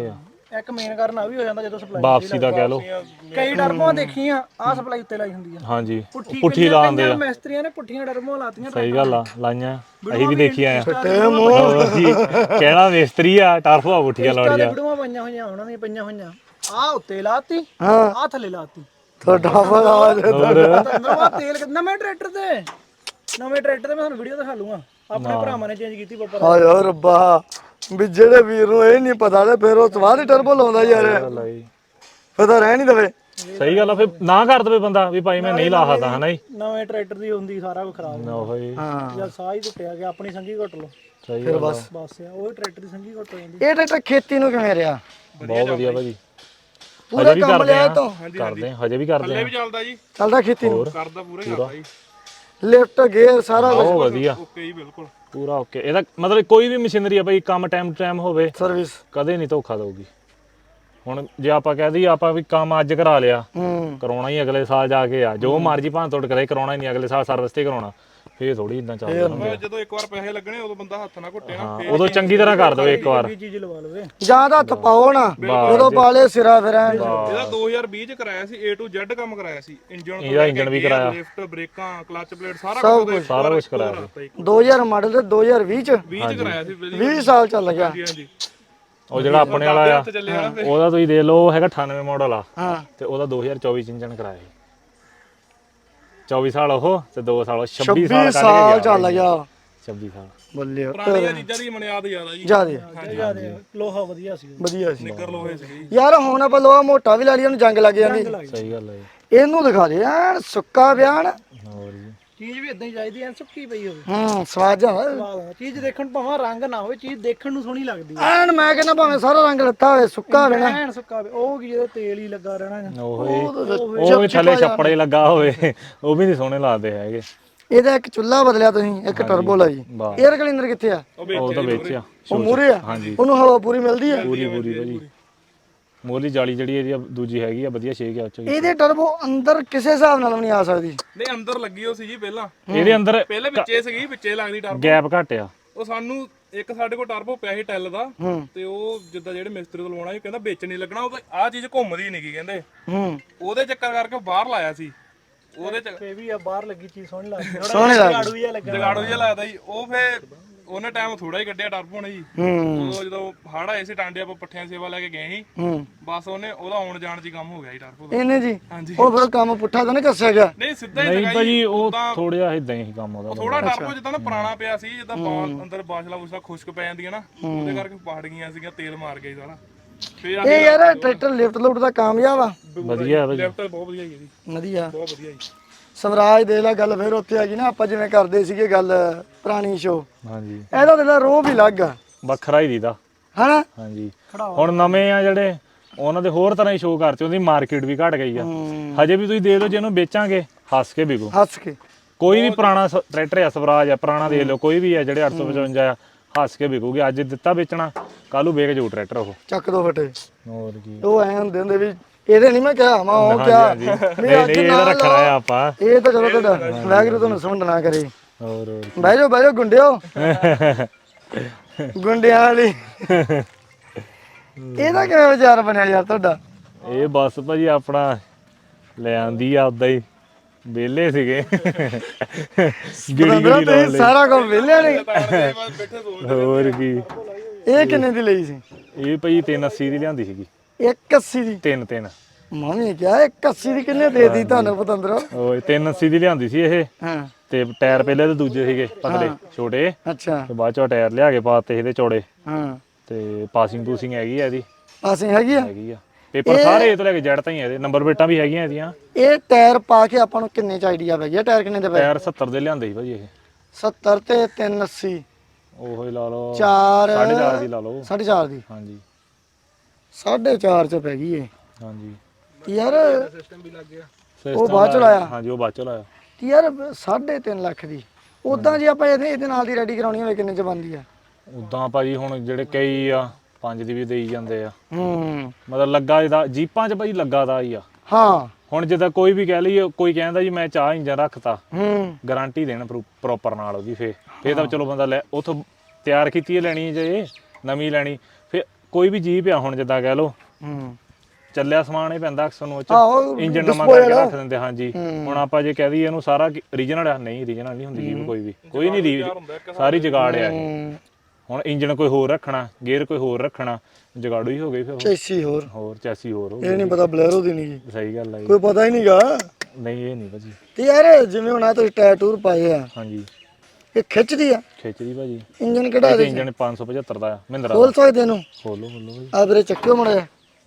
[SPEAKER 4] ਇੱਕ ਮੇਨ ਕਾਰਨ ਆ ਵੀ ਹੋ ਜਾਂਦਾ ਜਦੋਂ ਸਪਲਾਈ
[SPEAKER 2] ਵਾਪਸੀ ਦਾ ਕਹਿ ਲਓ।
[SPEAKER 4] ਕਈ ਟਰਬੋਆਂ ਦੇਖੀਆਂ ਆ ਸਪਲਾਈ ਉੱਤੇ ਲਾਈ ਹੁੰਦੀ ਆ
[SPEAKER 2] ਹਾਂਜੀ
[SPEAKER 4] ਪੁੱਠੀ
[SPEAKER 2] ਪੁੱਠੀ ਲਾਉਂਦੇ ਆ।
[SPEAKER 4] ਮਿਸਤਰੀਆਂ ਨੇ ਪੁੱਠੀਆਂ ਟਰਬੋਆਂ ਲਾਤੀਆਂ
[SPEAKER 2] ਸਹੀ ਗੱਲ ਆ, ਲਾਈਆਂ ਅਸੀਂ ਵੀ ਦੇਖੀਆਂ ਆ।
[SPEAKER 1] ਤੇ ਮੂੰਹ
[SPEAKER 2] ਹੋਰ ਜੀ ਕਹਿਣਾ ਮਿਸਤਰੀ ਆ ਟਰਫਾ ਪੁੱਠੀਆਂ
[SPEAKER 4] ਇੰਸਟਾ ਤੇ
[SPEAKER 2] ਲਾਉਣੀਆਂ।
[SPEAKER 4] ਵੀਡੀਓਆਂ ਪਈਆਂ ਹੋਈਆਂ ਉਹਨਾਂ ਦੀਆਂ ਪਈਆਂ ਹੋਈਆਂ ਆ ਉੱਤੇ ਲਾਤੀ
[SPEAKER 1] ਹਾਂ
[SPEAKER 4] ਆ ਥੱਲੇ ਲਾਤੀ
[SPEAKER 1] ਤੁਹਾਡਾ ਬੜਾ
[SPEAKER 2] ਹੋਰ
[SPEAKER 4] ਨਵਾਂ ਤੇਲ ਨਵੇਂ ਟਰੈਕਟਰ ਤੇ ਨਵੇਂ ਟਰੈਕਟਰ ਤੇ ਮੈਂ ਤੁਹਾਨੂੰ ਵੀਡੀਓ ਦਿਖਾ ਲੂੰਗਾ ਆਪਣੇ ਭਰਾਵਾਂ ਨੇ ਚੇਂਜ ਕੀਤੀ ਪਾਪਾ
[SPEAKER 1] ਹਾਏ ਓ ਰੱਬਾ ਵੀ ਜਿਹੜੇ ਵੀਰ ਨੂੰ ਇਹ ਨਹੀਂ ਪਤਾ ਤੇ ਫਿਰ ਉਹ ਸਵਾਦ ਹੀ ਟਰਬੋ ਲਾਉਂਦਾ ਯਾਰ
[SPEAKER 2] ਗੱਲ ਆ ਜੀ।
[SPEAKER 1] ਫਿਰ ਤਾਂ ਰਹਿ ਨਹੀਂ ਦਵੇ।
[SPEAKER 2] ਸਹੀ ਗੱਲ ਆ, ਫਿਰ ਨਾ ਕਰ ਦਵੇ ਬੰਦਾ ਵੀ ਭਾਈ ਮੈਂ ਨਹੀਂ ਲਾ ਸਕਦਾ ਹਨਾ ਜੀ।
[SPEAKER 4] ਨਵੇਂ ਟਰੈਕਟਰ ਦੀ ਹੁੰਦੀ ਸਾਰਾ ਕੁਝ ਖਰਾਬ ਹੋ
[SPEAKER 2] ਉਹੋ ਜੀ
[SPEAKER 1] ਹਾਂ
[SPEAKER 4] ਜਾਂ ਸਾਹ ਹੀ ਟੁੱਟਿਆ ਗਿਆ ਆਪਣੀ ਸੰਗੀ ਘੁੱਟ ਲਓ
[SPEAKER 2] ਸਹੀ
[SPEAKER 1] ਫਿਰ
[SPEAKER 2] ਗੱਲ ਆ।
[SPEAKER 1] ਬਸ
[SPEAKER 4] ਬਸ ਆ ਉਹ ਟਰੈਕਟਰ ਦੀ ਸੰਗੀ ਘੁੱਟ ਹੋ ਜਾਂਦੀ
[SPEAKER 1] ਇਹ ਟਰੈਕਟਰ ਖੇਤੀ ਨੂੰ ਕਿਵੇਂ ਰਿਹਾ?
[SPEAKER 2] ਬਹੁਤ ਵਧੀਆ ਭਾਜੀ।
[SPEAKER 1] ਪੂਰਾ
[SPEAKER 2] ਹਜੇ ਵੀ
[SPEAKER 1] ਕੰਮ
[SPEAKER 2] ਕਰਦੇ
[SPEAKER 1] ਲਿਆ
[SPEAKER 2] ਆ
[SPEAKER 1] ਤੋਂ
[SPEAKER 2] ਕਰਦੇ ਆ, ਹਜੇ ਵੀ ਕਰਦੇ
[SPEAKER 3] ਥੱਲੇ
[SPEAKER 2] ਆ।
[SPEAKER 3] ਵੀ ਚੱਲਦਾ ਜੀ,
[SPEAKER 1] ਚੱਲਦਾ ਖੇਤੀ ਨੂੰ
[SPEAKER 3] ਕਰਦਾ ਪੂਰਾ ਹੀ ਕਰਦਾ ਜੀ।
[SPEAKER 1] ਲਿਫਟ ਗੇਅਰ ਸਾਰਾ
[SPEAKER 2] ਬਹੁਤ ਵਧੀਆ
[SPEAKER 3] ਓਕੇ ਜੀ ਬਿਲਕੁਲ।
[SPEAKER 2] ਪੂਰਾ ਓਕੇ। ਇਹਦਾ ਮਤਲਬ ਕੋਈ ਵੀ ਮਸ਼ੀਨਰੀ ਆ ਭਾਈ ਕੰਮ ਟਾਈਮ ਟਾਈਮ ਹੋਵੇ
[SPEAKER 1] ਸਰਵਿਸ
[SPEAKER 2] ਕਦੇ ਨਹੀਂ ਧੋਖਾ ਦਊਗੀ। ਹੁਣ ਜੇ ਆਪਾਂ ਕਹਿ ਦਈਏ ਆਪਾਂ ਵੀ ਕੰਮ ਅੱਜ ਕਰਾ ਲਿਆ
[SPEAKER 1] ਹੂੰ
[SPEAKER 2] ਕਰਾਉਣਾ ਹੀ ਅਗਲੇ ਸਾਲ ਜਾ ਕੇ ਆ, ਜੋ ਮਰਜੀ ਭਾਂ ਤੋੜ ਕਰੇ ਕਰਾਉਣਾ ਹੀ ਨਹੀਂ ਅਗਲੇ ਸਾਲ ਸਰਵਿਸ ਤੇ ਕਰਾਉਣਾ। ਫੇਰ ਥੋੜੀ ਇਦਾਂ ਚੱਲਦਾ ਹੁੰਦਾ।
[SPEAKER 3] ਜਦੋਂ ਇੱਕ ਵਾਰ ਪੈਸੇ ਲੱਗਣੇ ਉਦੋਂ ਬੰਦਾ ਹੱਥ ਨਾ ਘੁੱਟੇ ਨਾ।
[SPEAKER 2] ਹਾਂ, ਉਦੋਂ ਚੰਗੀ ਤਰ੍ਹਾਂ ਕਰ ਦਿਓ ਇੱਕ ਵਾਰ।
[SPEAKER 4] ਇਹ ਚੀਜ਼ ਲਵਾ ਲਵੇ
[SPEAKER 1] ਜਾਂ ਤਾਂ ਹੱਥ ਪਾਓ ਨਾ ਉਦੋਂ ਪਾਲੇ ਸਿਰਾ ਫਿਰ ਐਂ।
[SPEAKER 3] ਇਹਦਾ ਦੋ ਹਜ਼ਾਰ ਵੀਹ ਚ ਕਰਾਇਆ ਸੀ, A to Z ਕੰਮ ਕਰਾਇਆ ਸੀ। ਇੰਜਨ
[SPEAKER 2] ਇਹਦਾ ਇੰਜਣ ਵੀ ਕਰਾਇਆ,
[SPEAKER 3] ਲਿਫਟ ਬ੍ਰੇਕਾਂ ਕਲਚ ਪਲੇਟ ਸਾਰਾ ਕੁਝ
[SPEAKER 2] ਸਾਰਾ ਕੁਝ ਕਰਾਇਆ ਸੀ।
[SPEAKER 1] ਦੋ ਹਜ਼ਾਰ ਮਾਡਲ ਤੇ ਦੋ ਹਜ਼ਾਰ ਵੀਹ ਚ
[SPEAKER 3] ਵੀਹ ਚ ਕਰਾਇਆ ਸੀ ਵੀਹ
[SPEAKER 1] ਵੀਹ ਸਾਲ ਚੱਲ ਗਿਆ।
[SPEAKER 3] ਹਾਂਜੀ।
[SPEAKER 2] ਉਹ ਜਿਹੜਾ ਆਪਣੇ ਵਾਲਾ ਆ
[SPEAKER 3] ਹੱਥ ਚੱਲਿਆ ਨਾ ਫਿਰ।
[SPEAKER 2] ਉਹਦਾ ਤੁਸੀਂ ਦੇਖ ਲਓ ਉਹ ਹੈਗਾ ਅਠਾਨਵੇਂ ਮਾਡਲ ਆ
[SPEAKER 1] ਹਾਂ
[SPEAKER 2] ਤੇ ਉਹਦਾ ਦੋ ਹਜ਼ਾਰ ਚੌਵੀ ਚ ਇੰਜਣ ਕਰਾਇਆ ਸੀ। ਚੌਵੀ ਸਾਲ ਉਹ ਤੇ ਦੋ ਸਾਲ ਉਹ ਛੱਬੀ ਸਾਲ ਕੱਢ ਕੇ
[SPEAKER 1] ਸਾਲ
[SPEAKER 2] ਗਿਆ
[SPEAKER 1] ਚੱਲ ਗਿਆ
[SPEAKER 2] ਛੱਬੀ ਸਾਲ।
[SPEAKER 1] ਬੱਲੇ
[SPEAKER 3] ਪੁਰਾਣੀਆਂ ਚੀਜ਼ਾਂ ਦੀ ਮਨਿਆਦ ਜ਼ਿਆਦਾ ਜੀ।
[SPEAKER 1] ਜਿਆਦੇ
[SPEAKER 4] ਜਿਆਦਾ ਲੋਹਾ ਵਧੀਆ ਸੀ
[SPEAKER 1] ਵਧੀਆ ਸੀ
[SPEAKER 3] ਨਿੱਕਰ ਲੋਹੇ ਸੀ।
[SPEAKER 1] ਯਾਰ ਹੁਣ ਆਪਾਂ ਲੋਹਾ ਮੋਟਾ ਵੀ ਲਾ ਲਈ ਉਹਨੂੰ ਜੰਗ ਲੱਗ ਜਾਂਦੀ।
[SPEAKER 2] ਸਹੀ ਗੱਲ ਹੈ ਜੀ।
[SPEAKER 1] ਇਹਨੂੰ ਦਿਖਾ ਦੇ ਐਨ ਸੁੱਕਾ ਬਿਆਨ।
[SPEAKER 2] ਹੋਰ ਜੀ
[SPEAKER 4] ਚੀਜ਼ ਵੀ ਇਦਾਂ ਹੀ ਚਾਹੀਦੀ ਐ ਸੁੱਕੀ ਪਈ ਹੋਵੇ
[SPEAKER 1] ਹੂੰ ਸਵਾਦ ਜਾ
[SPEAKER 4] ਵਾਹ ਚੀਜ਼ ਦੇਖਣ ਨੂੰ ਭਾਵੇਂ ਰੰਗ ਨਾ ਹੋਵੇ ਚੀਜ਼ ਦੇਖਣ ਨੂੰ ਸੋਹਣੀ ਲੱਗਦੀ ਐ
[SPEAKER 1] ਐਨ ਮੈਂ ਕਹਿੰਦਾ ਭਾਵੇਂ ਸਾਰਾ ਰੰਗ ਲੱਤਾ ਹੋਵੇ ਸੁੱਕਾ ਹੋਵੇ ਨਾ
[SPEAKER 4] ਐਨ ਸੁੱਕਾ ਹੋਵੇ ਉਹ ਕੀ ਜਦੋਂ ਤੇਲ ਹੀ ਲੱਗਾ ਰਹਿਣਾ
[SPEAKER 2] ਉਹ ਹੀ ਉਹ ਵੀ ਥੱਲੇ ਛੱਪੜੇ ਲੱਗਾ ਹੋਵੇ ਉਹ ਵੀ ਨਹੀਂ ਸੋਹਣੇ ਲੱਗਦੇ ਹੈਗੇ।
[SPEAKER 1] ਇਹਦਾ ਇੱਕ ਚੁੱਲ੍ਹਾ ਬਦਲਿਆ ਤੁਸੀਂ ਇੱਕ ਟਰਬੋ ਲਾਈ।
[SPEAKER 2] ਵਾਹ।
[SPEAKER 1] 에ਅਰ ਕਲੀਨਰ ਕਿੱਥੇ ਆ?
[SPEAKER 2] ਉਹ ਤਾਂ ਵੇਚਿਆ
[SPEAKER 1] ਉਹ ਮੂਰੇ ਆ
[SPEAKER 2] ਹਾਂਜੀ
[SPEAKER 1] ਉਹਨੂੰ ਹਵਾ ਪੂਰੀ ਮਿਲਦੀ ਆ।
[SPEAKER 2] ਪੂਰੀ ਪੂਰੀ ਭਾਜੀ। ਮੋਲੀ ਜਾਲੀ ਜਿਹੜੀ ਇਹਦੀ ਦੂਜੀ ਹੈਗੀ ਆ ਵਧੀਆ ਛੇਕ ਆ ਉੱਚ।
[SPEAKER 1] ਇਹਦੇ ਟਰਬੋ ਅੰਦਰ ਕਿਸੇ ਹਿਸਾਬ ਨਾਲ ਵੀ ਨਹੀਂ ਆ ਸਕਦੀ।
[SPEAKER 3] ਨਹੀਂ ਅੰਦਰ ਲੱਗੀ ਹੋ ਸੀ ਜੀ ਪਹਿਲਾਂ।
[SPEAKER 2] ਇਹਦੇ ਅੰਦਰ
[SPEAKER 3] ਪਹਿਲੇ ਵਿੱਚੇ ਸੀਗੀ ਵਿੱਚੇ ਲੱਗਦੀ ਟਰਬੋ।
[SPEAKER 2] ਗੈਪ ਘੱਟ ਆ।
[SPEAKER 3] ਉਹ ਸਾਨੂੰ ਇੱਕ ਸਾਡੇ ਕੋਲ ਟਰਬੋ ਪਿਆ ਸੀ ਟੈਲ ਦਾ
[SPEAKER 1] ਹੂੰ
[SPEAKER 3] ਤੇ ਉਹ ਜਿੱਦਾਂ ਜਿਹੜੇ ਮਿਸਤਰੀ ਤੋਂ ਲਵਾਉਣਾ ਸੀ ਕਹਿੰਦਾ ਵਿੱਚ ਨਹੀਂ ਲੱਗਣਾ ਉਹ ਆਹ ਚੀਜ਼ ਘੁੰਮਦੀ ਨਹੀਂ ਗੀ ਕਹਿੰਦੇ।
[SPEAKER 1] ਹੂੰ
[SPEAKER 3] ਉਹਦੇ ਚੱਕਰ ਕਰਕੇ ਬਾਹਰ ਲਾਇਆ ਸੀ। ਉਹਦੇ ਚ
[SPEAKER 4] ਇਹ ਵੀ ਆ ਬਾਹਰ ਲੱਗੀ ਚੀਜ਼ ਸੋਹਣੀ ਲੱਗਦੀ
[SPEAKER 1] ਸੋਹਣੀ ਲੱਗਦੀ।
[SPEAKER 4] ਝਾੜੂ ਜਿਹਾ ਲੱਗਾ
[SPEAKER 3] ਜਗਾੜੋ ਜਿਹਾ ਲੱਗਦਾ ਜੀ। ਉਹ ਫੇ ਉਹਨੇ ਟਾਈਮ ਥੋੜਾ ਹੀ ਕੱਢਿਆ ਟਰਬੋ ਨੇ ਜੀ।
[SPEAKER 1] ਹੂੰ
[SPEAKER 3] ਉਦੋਂ ਜਦੋਂ ਹੜ ਆਏ ਸੀ ਟਾਂਡੇ ਆਪਾਂ ਪੱਠਿਆਂ ਸੇਵਾ ਲੈ ਕੇ ਗਏ ਸੀ
[SPEAKER 1] ਹੂੰ
[SPEAKER 3] ਬਸ ਉਹਨੇ ਉਹਦਾ ਆਉਣ ਜਾਣ ਚ ਹੀ ਕੰਮ ਹੋ ਗਿਆ ਜੀ ਟਰਬੋ ਦਾ।
[SPEAKER 1] ਇਹਨੇ ਜੀ
[SPEAKER 3] ਹਾਂਜੀ।
[SPEAKER 1] ਉਹ ਫਿਰ ਕੰਮ ਪੁੱਠਾ ਤਾਂ ਨਹੀਂ ਕੱਸਿਆ ਗਿਆ।
[SPEAKER 3] ਨਹੀਂ ਸਿੱਧਾ ਹੀ
[SPEAKER 2] ਨਹੀਂ
[SPEAKER 3] ਲਗਾਈ
[SPEAKER 2] ਭਾਜੀ ਉਹ ਥੋੜਾ ਇਦਾਂ ਹੀ ਕੰਮ ਉਹਦਾ।
[SPEAKER 3] ਥੋੜਾ ਟਰਬੋ ਜਿੱਦਾਂ ਨਾ ਪੁਰਾਣਾ ਪਿਆ ਸੀ ਜਿੱਦਾਂ ਬਾਲ ਅੰਦਰ ਬਾਸ਼ਲਾ ਬੁਸ਼ਲਾ ਖੁਸ਼ਕ ਪੈ ਜਾਂਦੀਆਂ ਨਾ ਉਹਦੇ ਕਰਕੇ ਪਾੜ ਗਈਆਂ ਸੀਗੀਆਂ ਤੇਲ ਮਾਰ ਗਈ ਸਾਰਾ। ਫੇਰ
[SPEAKER 1] ਇਹ ਯਾਰ ਟਰੈਕਟਰ ਲਿਫਟ ਲੁਫਟ ਦਾ ਕਾਮਯਾਬ ਆ।
[SPEAKER 2] ਵਧੀਆ ਭਾਜੀ
[SPEAKER 3] ਲੈਫਟ ਬਹੁਤ ਵਧੀਆ ਜੀ
[SPEAKER 1] ਵਧੀਆ
[SPEAKER 3] ਬਹੁਤ ਵਧੀਆ ਜੀ।
[SPEAKER 1] ਸਵਰਾਜ ਦੇ ਲਾ ਗੱਲ ਫਿਰ ਉੱਥੇ ਆ ਗਈ ਨਾ ਆਪਾਂ ਜਿਵੇਂ ਕਰਦੇ ਸੀਗੇ ਗੱਲ ਪੁਰਾਣੀ ਸ਼ੋ
[SPEAKER 2] ਹਾਂਜੀ
[SPEAKER 1] ਇਹਦਾ ਦੇ ਲਾ ਰੋਹ ਵੀ ਲੱਗ ਆ
[SPEAKER 2] ਵੱਖਰਾ ਹੀ ਦੀਦਾ
[SPEAKER 1] ਹਨਾ।
[SPEAKER 2] ਹਾਂਜੀ। ਹੁਣ ਨਵੇਂ ਆ ਜਿਹੜੇ ਉਹਨਾਂ ਦੇ ਹੋਰ ਤਰ੍ਹਾਂ ਹੀ ਸ਼ੋਅ ਕਰਤੇ ਉਹਦੀ ਮਾਰਕੀਟ ਵੀ ਘਟ ਗਈ ਆ। ਹਜੇ ਵੀ ਤੁਸੀਂ ਦੇ ਦਿਓ ਜਿਹਨੂੰ ਵੇਚਾਂਗੇ ਹੱਸ ਕੇ ਵਿਕੂ।
[SPEAKER 1] ਹੱਸ ਕੇ
[SPEAKER 2] ਕੋਈ ਵੀ ਪੁਰਾਣਾ ਸ- ਟਰੈਕਟਰ ਆ ਸਵਰਾਜ ਆ ਪੁਰਾਣਾ ਦੇਖ ਲਓ ਕੋਈ ਵੀ ਆ ਜਿਹੜੇ ਅੱਠ ਸੌ ਪਚਵੰਜਾ ਆ ਹੱਸ ਕੇ ਵਿਕੂਗੀ। ਅੱਜ ਦਿੱਤਾ ਵੇਚਣਾ ਕੱਲ ਨੂੰ ਵੇਚ ਜਾਊ ਟਰੈਕਟਰ ਉਹ।
[SPEAKER 1] ਚੱਕ ਦੋ ਫਟੇ
[SPEAKER 2] ਹੋਰ ਕੀ।
[SPEAKER 1] ਉਹ ਐ ਹੁੰਦੇ ਹੁੰਦੇ ਵੀ ਇਹਦੇ ਨਹੀਂ ਮੈਂ ਕਿਹਾ ਮੈਂ ਉਹ ਕਿਹਾ
[SPEAKER 2] ਹਾਂਜੀ ਨਹੀਂ ਨਹੀਂ ਇਹਦਾ ਰੱਖਣਾ ਆ ਆਪਾਂ।
[SPEAKER 1] ਇਹ ਤਾਂ ਚਲੋ ਤੁਹਾਡਾ ਵੈਗਰੂ ਤੁਹਾਨੂੰ ਸਮਝ ਨਾ ਕਰੇ।
[SPEAKER 2] ਹੋਰ ਹੋਰ
[SPEAKER 1] ਬਹਿ ਜਾਓ ਬਹਿ ਜਾਓ ਗੁੰਡਿਓ ਗੁੰਡਿਆਂ ਵਾਲੀ। ਇਹਦਾ ਕਿਵੇਂ ਵਿਚਾਰ ਬਣਿਆ ਯਾਰ ਤੁਹਾਡਾ?
[SPEAKER 2] ਇਹ ਬਸ ਭਾਜੀ ਆਪਣਾ ਲੈ ਆਂਦੀ ਆ ਉਦਾਂ ਹੀ ਵਿਹਲੇ ਸੀਗੇ ਗਿੜੀ ਗਿੜੀ ਲਾਉਣ
[SPEAKER 1] ਤੁਸੀਂ
[SPEAKER 2] ਲਈ।
[SPEAKER 1] ਸਾਰਾ ਕੰਮ ਵਿਹਲੇ ਨੇ।
[SPEAKER 3] ਬੈਠੇ ਸੋਚ
[SPEAKER 2] ਹੋਰ ਕੀ।
[SPEAKER 1] ਇਹ ਕਿੰਨੇ ਦੀ ਲਈ ਸੀ?
[SPEAKER 2] ਇਹ ਭਾਜੀ ਤਿੰਨ ਅੱਸੀ ਦੀ ਲਿਆਂਦੀ ਸੀਗੀ।
[SPEAKER 1] ਇੱਕ ਅੱਸੀ ਦੀ।
[SPEAKER 2] ਤਿੰਨ ਤਿੰਨ
[SPEAKER 1] ਮੰਮੀ ਕਿਹਾ ਇੱਕ ਅੱਸੀ ਦੀ ਕਿੰਨੇ ਦੇ ਦਿੱਤੀ ਤੁਹਾਨੂੰ ਪਤੰਦਰੋ?
[SPEAKER 2] ਓਏ ਤਿੰਨ ਅੱਸੀ ਦੀ ਲਿਆਂਦੀ ਸੀ ਇਹ
[SPEAKER 1] ਹਾਂ
[SPEAKER 2] ਤੇ ਟਾਇਰ ਪਹਿਲੇ ਤੇ ਦੂਜੇ ਸੀਗੇ ਪਤਲੇ ਛੋਟੇ
[SPEAKER 1] ਅੱਛਾ
[SPEAKER 2] ਤੇ ਬਾਅਦ ਚੋਂ ਟਾਇਰ ਲਿਆ ਕੇ ਪਾਤੇ ਇਹਦੇ ਚੌੜੇ
[SPEAKER 1] ਹਾਂ
[SPEAKER 2] ਤੇ ਪਾਸਿੰਗ ਪੂਸਿੰਗ ਹੈਗੀ ਆ ਇਹਦੀ
[SPEAKER 1] ਅਸੀਂ ਹੈਗੀ ਆ।
[SPEAKER 2] ਹੈਗੀ ਆ ਪੇਪਰ ਸਾਰੇ ਇਹ ਤੋਂ ਲੈ ਕੇ ਜੜ ਤਾਈਂ ਇਹਦੇ ਨੰਬਰ ਪਲੇਟਾਂ ਵੀ ਹੈਗੀਆਂ ਇਹਦੀਆਂ।
[SPEAKER 1] ਇਹ ਟਾਇਰ ਪਾ ਕੇ ਆਪਾਂ ਨੂੰ ਕਿੰਨੇ ਚ ਆਈਡੀਆ ਪੈ ਗਿਆ ਟਾਇਰ ਕਿੰਨੇ ਦੇ ਪਏ?
[SPEAKER 2] ਟਾਇਰ ਸੱਤਰ ਦੇ ਲਿਆਂਦੇ ਸੀ ਭਾਜੀ ਇਹ।
[SPEAKER 1] ਸੱਤਰ ਤੇ ਤਿੰਨ ਅੱਸੀ
[SPEAKER 2] ਉਹੋ ਹੀ ਲਾ ਲਓ
[SPEAKER 1] ਚਾਰ
[SPEAKER 2] ਸਾਢੇ ਚਾਰ ਦੀ ਲਾ ਲਓ।
[SPEAKER 1] ਸਾਢੇ ਚਾਰ ਦੀ
[SPEAKER 2] ਹਾਂਜੀ
[SPEAKER 1] ਸਾਢੇ ਚਾਰ ਚ ਪੈ ਗਈ ਇਹ
[SPEAKER 2] ਹਾਂਜੀ
[SPEAKER 1] ਯਾਰ।
[SPEAKER 3] ਸਿਸਟਮ ਵੀ ਲੱਗ ਗਿਆ।
[SPEAKER 1] ਉਹ ਬਾਅਦ ਚ ਲਾਇਆ।
[SPEAKER 2] ਹਾਂਜੀ ਉਹ ਬਾਅਦ ਚ ਲਾਇਆ।
[SPEAKER 1] ਯਾਰ ਸਾਢੇ ਤਿੰਨ ਲੱਖ ਦੀ ਉਦਾਂ ਜੇ ਆਪਾਂ ਇਹਦੇ ਇਹਦੇ ਨਾਲ ਦੀ ਰੈਡੀ ਕਰਾਉਣੀ ਹੋਵੇ ਕਿੰਨੇ ਚ ਬਣਦੀ ਆ?
[SPEAKER 2] ਉਦਾਂ ਭਾਜੀ ਹੁਣ ਜਿਹੜੇ ਕਈ ਆ ਪੰਜ ਦੀ ਵੀ ਦੇਈ ਜਾਂਦੇ ਆ।
[SPEAKER 1] ਹੂੰ
[SPEAKER 2] ਮਤਲਬ ਲੱਗਾ ਇਹਦਾ ਜੀਪਾਂ 'ਚ ਭਾਜੀ ਲੱਗਾ ਦਾ ਹੀ ਆ।
[SPEAKER 1] ਹਾਂ
[SPEAKER 2] ਹੁਣ ਜਿੱਦਾਂ ਕੋਈ ਵੀ ਕਹਿ ਲਈਏ ਕੋਈ ਕਹਿੰਦਾ ਜੀ ਮੈਂ ਚਾਹ ਇੰਜਨ ਰੱਖਤਾ
[SPEAKER 1] ਹੂੰ
[SPEAKER 2] ਗਾਰੰਟੀ ਦੇਣ ਪ੍ਰੋਪਰ ਨਾਲ ਉਹਦੀ ਫੇ ਫੇ ਤਾਂ ਚਲੋ ਬੰਦਾ ਲੈ ਉਥੋਂ ਤਿਆਰ ਕੀਤੀ ਹੈ ਲੈਣੀ ਜੇ ਨਵੀਂ ਲੈਣੀ ਫੇ ਕੋਈ ਵੀ ਜੀਪ ਆ ਹੁਣ ਜਿੱਦਾਂ ਕਹਿ ਲਓ
[SPEAKER 1] ਹੂੰ
[SPEAKER 2] ਚੱਲਿਆ ਸਮਾਨ ਹੀ ਪੈਂਦਾ ਅਕਸਰ ਨੂੰ ਉਹ ਚ
[SPEAKER 1] ਆਹੋ
[SPEAKER 2] ਇੰਜਨ ਨਵਾਂ ਕਰਕੇ ਰੱਖ ਦਿੰਦੇ ਹਾਂਜੀ ਹੁਣ ਆਪਾਂ ਜੇ ਕਹਿ ਦਈਏ ਇਹਨੂੰ ਸਾਰਾ ਰੀਜਨਲ ਆ ਨਹੀਂ ਰੀਜਨਲ ਨਹੀਂ ਹੁੰਦੀ ਜੀਪ ਕੋਈ ਵੀ ਕੋਈ ਨਹੀਂ ਰੀ ਸਾਰੀ ਜਗਾੜ ਆ ਇਹ ਹੁਣ ਇੰਜਨ ਕੋਈ ਹੋਰ ਰੱਖਣਾ ਗੇਅਰ ਕੋਈ ਹੋਰ ਰੱਖਣਾ ਜਗਾੜੂ ਹੀ ਹੋ ਗਈ ਫਿਰ
[SPEAKER 1] ਚੈਸੀ ਹੋਰ
[SPEAKER 2] ਹੋਰ ਚੈਸੀ ਹੋਰ ਹੋ
[SPEAKER 1] ਇਹ ਨਹੀਂ ਪਤਾ ਬਲੈਰੋ ਦੀ ਨਹੀਂ
[SPEAKER 2] ਸਹੀ ਗੱਲ ਹੈ
[SPEAKER 1] ਕੋਈ ਪਤਾ ਹੀ ਨਹੀਂਗਾ
[SPEAKER 2] ਨਹੀਂ ਇਹ ਨਹੀਂ ਭਾਜੀ
[SPEAKER 1] ਤੇ ਯਾਰ ਜਿਵੇਂ ਹੁਣ ਆ ਤੁਸੀਂ ਟਾਇਰ ਟੂਰ ਪਾਏ ਆ
[SPEAKER 2] ਹਾਂਜੀ
[SPEAKER 1] ਇਹ ਖਿੱਚਦੀ ਆ
[SPEAKER 2] ਖਿੱਚਦੀ ਭਾਜੀ
[SPEAKER 1] ਇੰਜਨ ਕਿਹੜਾ
[SPEAKER 2] ਇਹ ਇੰਜਨ ਪੰਜ ਸੌ ਪਝੱਤਰ ਦਾ ਆ ਮਹਿੰਦਰਾ
[SPEAKER 1] ਖੋਲ ਸਕਦੇ ਇਹਨੂੰ
[SPEAKER 2] ਖੋਲੋ ਖੋਲੋ ਭਾਜੀ
[SPEAKER 1] ਆ ਵੀਰੇ ਚੱਕਿਓ ਮੜਿਆ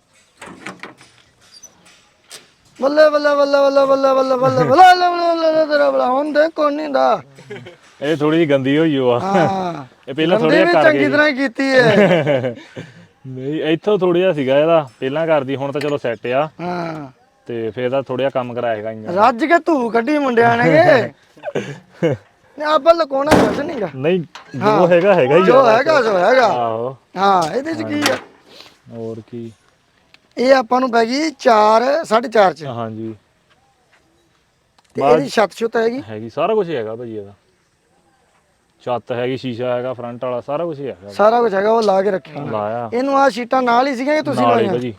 [SPEAKER 1] ਬੱਲੇ ਬੱਲੇ ਬੱਲੇ ਬੱਲੇ ਬੱਲੇ ਬੱਲੇ ਬੱਲੇ ਬੱਲੇ ਬੱਲੇ ਤੇਰਾ ਬਲਾ ਹੁਣ ਦੇ ਕੋਣ ਨਹੀਂ ਦਾ
[SPEAKER 2] ਇਹ ਥੋੜੀ ਜਿਹੀ ਗੰਦੀ ਹੋਈ ਓ ਆ
[SPEAKER 1] ਹਾਂ
[SPEAKER 2] ਇਹ ਪਹਿਲਾਂ
[SPEAKER 1] ਥੋੜੀ
[SPEAKER 2] ਥੋੜੀ ਕਰ
[SPEAKER 1] ਚੰਗੀ
[SPEAKER 2] ਗਈ
[SPEAKER 1] ਤਰ੍ਹਾਂ ਹੀ ਕੀਤੀ ਹੈ
[SPEAKER 2] ਨਹੀਂ ਇੱਥੋਂ ਥੋੜਾ ਜਿਹਾ ਸੀਗਾ ਇਹਦਾ ਪਹਿਲਾਂ ਕਰਦੀ ਹੁਣ ਤਾਂ ਚਲੋ ਸੈੱਟ ਆ
[SPEAKER 1] ਹਾਂ
[SPEAKER 2] ਤੇ ਫੇਰ ਦਾ ਥੋੜਾ ਜਿਹਾ ਕੰਮ ਕਰਾਏਗਾ ਇੰਜਨ
[SPEAKER 1] ਰੱਜ ਕੇ ਧੂ ਕੱਢੀ ਮੁੰਡਿਆਂ ਨੇ ਨੇ ਆਪਾਂ ਲਕੋਣਾ ਕੁਝ ਨਹੀਂਗਾ
[SPEAKER 2] ਨਹੀਂ ਜੋ ਹੈਗਾ ਹੈਗਾ ਹੀ
[SPEAKER 1] ਜੋ ਹੈਗਾ ਸੋ ਹੈਗਾ
[SPEAKER 2] ਆਹੋ
[SPEAKER 1] ਹਾਂ ਇਹਦੇ ਚ ਕੀ ਆ
[SPEAKER 2] ਹੋਰ ਕੀ
[SPEAKER 1] ਇਹ ਆਪਾਂ ਨੂੰ ਪੈ ਗਈ ਚਾਰ ਸਾਢੇ ਚਾਰ ਚ
[SPEAKER 2] ਹਾਂਜੀ
[SPEAKER 1] ਤੇ ਇਹਦੀ ਛੱਤ ਛੁੱਤ ਹੈਗੀ
[SPEAKER 2] ਹੈਗੀ ਸਾਰਾ ਕੁਝ ਹੈਗਾ ਭਾਜੀ ਇਹਦਾ ਛੱਤ ਹੈਗੀ ਸ਼ੀਸ਼ਾ ਹੈਗਾ ਫਰੰਟ ਵਾਲਾ ਸਾਰਾ ਕੁਝ ਹੈਗਾ
[SPEAKER 1] ਸਾਰਾ ਕੁਝ ਹੈਗਾ ਉਹ ਲਾ ਕੇ ਰੱਖਿਆ
[SPEAKER 2] ਲਾਇਆ
[SPEAKER 1] ਇਹਨੂੰ ਆ ਸ਼ੀਟਾਂ ਨਾਲ ਹੀ ਸੀਗੀਆਂ ਕਿ ਤੁਸੀਂ
[SPEAKER 2] ਨਾਲ ਹੀ
[SPEAKER 1] ਲਾਈਆਂ
[SPEAKER 2] ਭਾਜੀ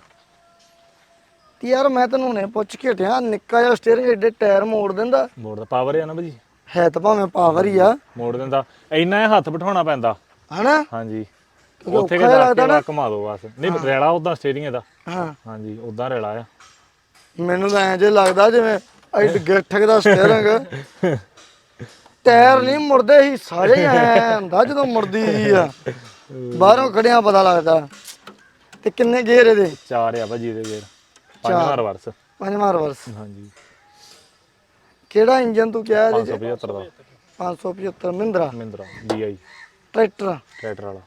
[SPEAKER 1] ਤੇ ਯਾਰ ਮੈਂ ਤੈਨੂੰ ਹੁਣੇ ਪੁੱਛ ਕੇ ਹਟਿਆ ਨਿੱਕਾ ਜਿਹਾ ਸਟੀਅਰਿੰਗ ਏਡੇ ਟਾਇਰ ਮੋੜ ਦਿੰਦਾ
[SPEAKER 2] ਮੋੜ ਦਾ ਪਾਵਰ ਹੈ ਨਾ ਭਾਜੀ
[SPEAKER 1] ਹੈ ਤਾਂ ਭਾਵੇਂ ਪਾਵਰ ਹੀ ਆ
[SPEAKER 2] ਮੋੜ ਦਿੰਦਾ ਇੰਨਾ ਇਹ ਹੱਥ ਬਿਠਾਉਣਾ ਪੈਂਦਾ
[SPEAKER 1] ਹਨਾ
[SPEAKER 2] ਹਾਂਜੀ
[SPEAKER 1] ਕਿਉਂਕਿ
[SPEAKER 2] ਉੱਥੇ
[SPEAKER 1] ਔਖਾ
[SPEAKER 2] ਕੇ
[SPEAKER 1] ਜਿਹਾ
[SPEAKER 2] ਜਾ ਕੇ
[SPEAKER 1] ਲੱਗਦਾ ਨਾ।
[SPEAKER 2] ਘੁਮਾ ਦੋ ਬਸ ਨਹੀਂ ਰੈਲਾ ਉਦਾਂ ਸਟੀਅਰਿੰਗ ਇਹਦਾ
[SPEAKER 1] ਹਾਂ
[SPEAKER 2] ਹਾਂਜੀ ਉਦਾਂ ਰੈਲਾ ਆ
[SPEAKER 1] ਮੈਨੂੰ ਤਾਂ ਐਂ ਜੇ ਲੱਗਦਾ ਜਿਵੇਂ ਐਡ ਗਿੱਠਕ ਦਾ ਸਟੀਅਰਿੰਗ ਟਾਇਰ ਨਹੀਂ ਮੁੜਦੇ ਹੀ ਸਾਰੇ ਹੀ ਐ ਹੁੰਦਾ ਜਦੋਂ ਮੁੜਦੀ ਹੀ ਆ ਬਾਹਰੋਂ ਖੜਿਆ ਪਤਾ ਲੱਗਦਾ ਤੇ ਕਿੰਨੇ ਗੇਅਰ ਇਹਦੇ
[SPEAKER 2] ਚਾਰ ਆ ਭਾਜੀ ਇਹਦੇ ਗੇਰ ਪੰਜਵਾਂ ਰਿਵਰਸ
[SPEAKER 1] ਪੰਜਵਾਂ ਰਿਵਰਸ
[SPEAKER 2] ਹਾਂਜੀ
[SPEAKER 1] ਕਿਹੜਾ ਇੰਜਨ ਤੂੰ ਕਿਹਾ ਇਹਦੇ
[SPEAKER 2] ਪੰਜ ਸੌ ਪਝੱਤਰ ਦਾ
[SPEAKER 1] ਪੰਜ ਸੌ ਪਝੱਤਰ Mahindra
[SPEAKER 2] Mahindra DI
[SPEAKER 1] tractor
[SPEAKER 2] tractor ਵਾਲਾ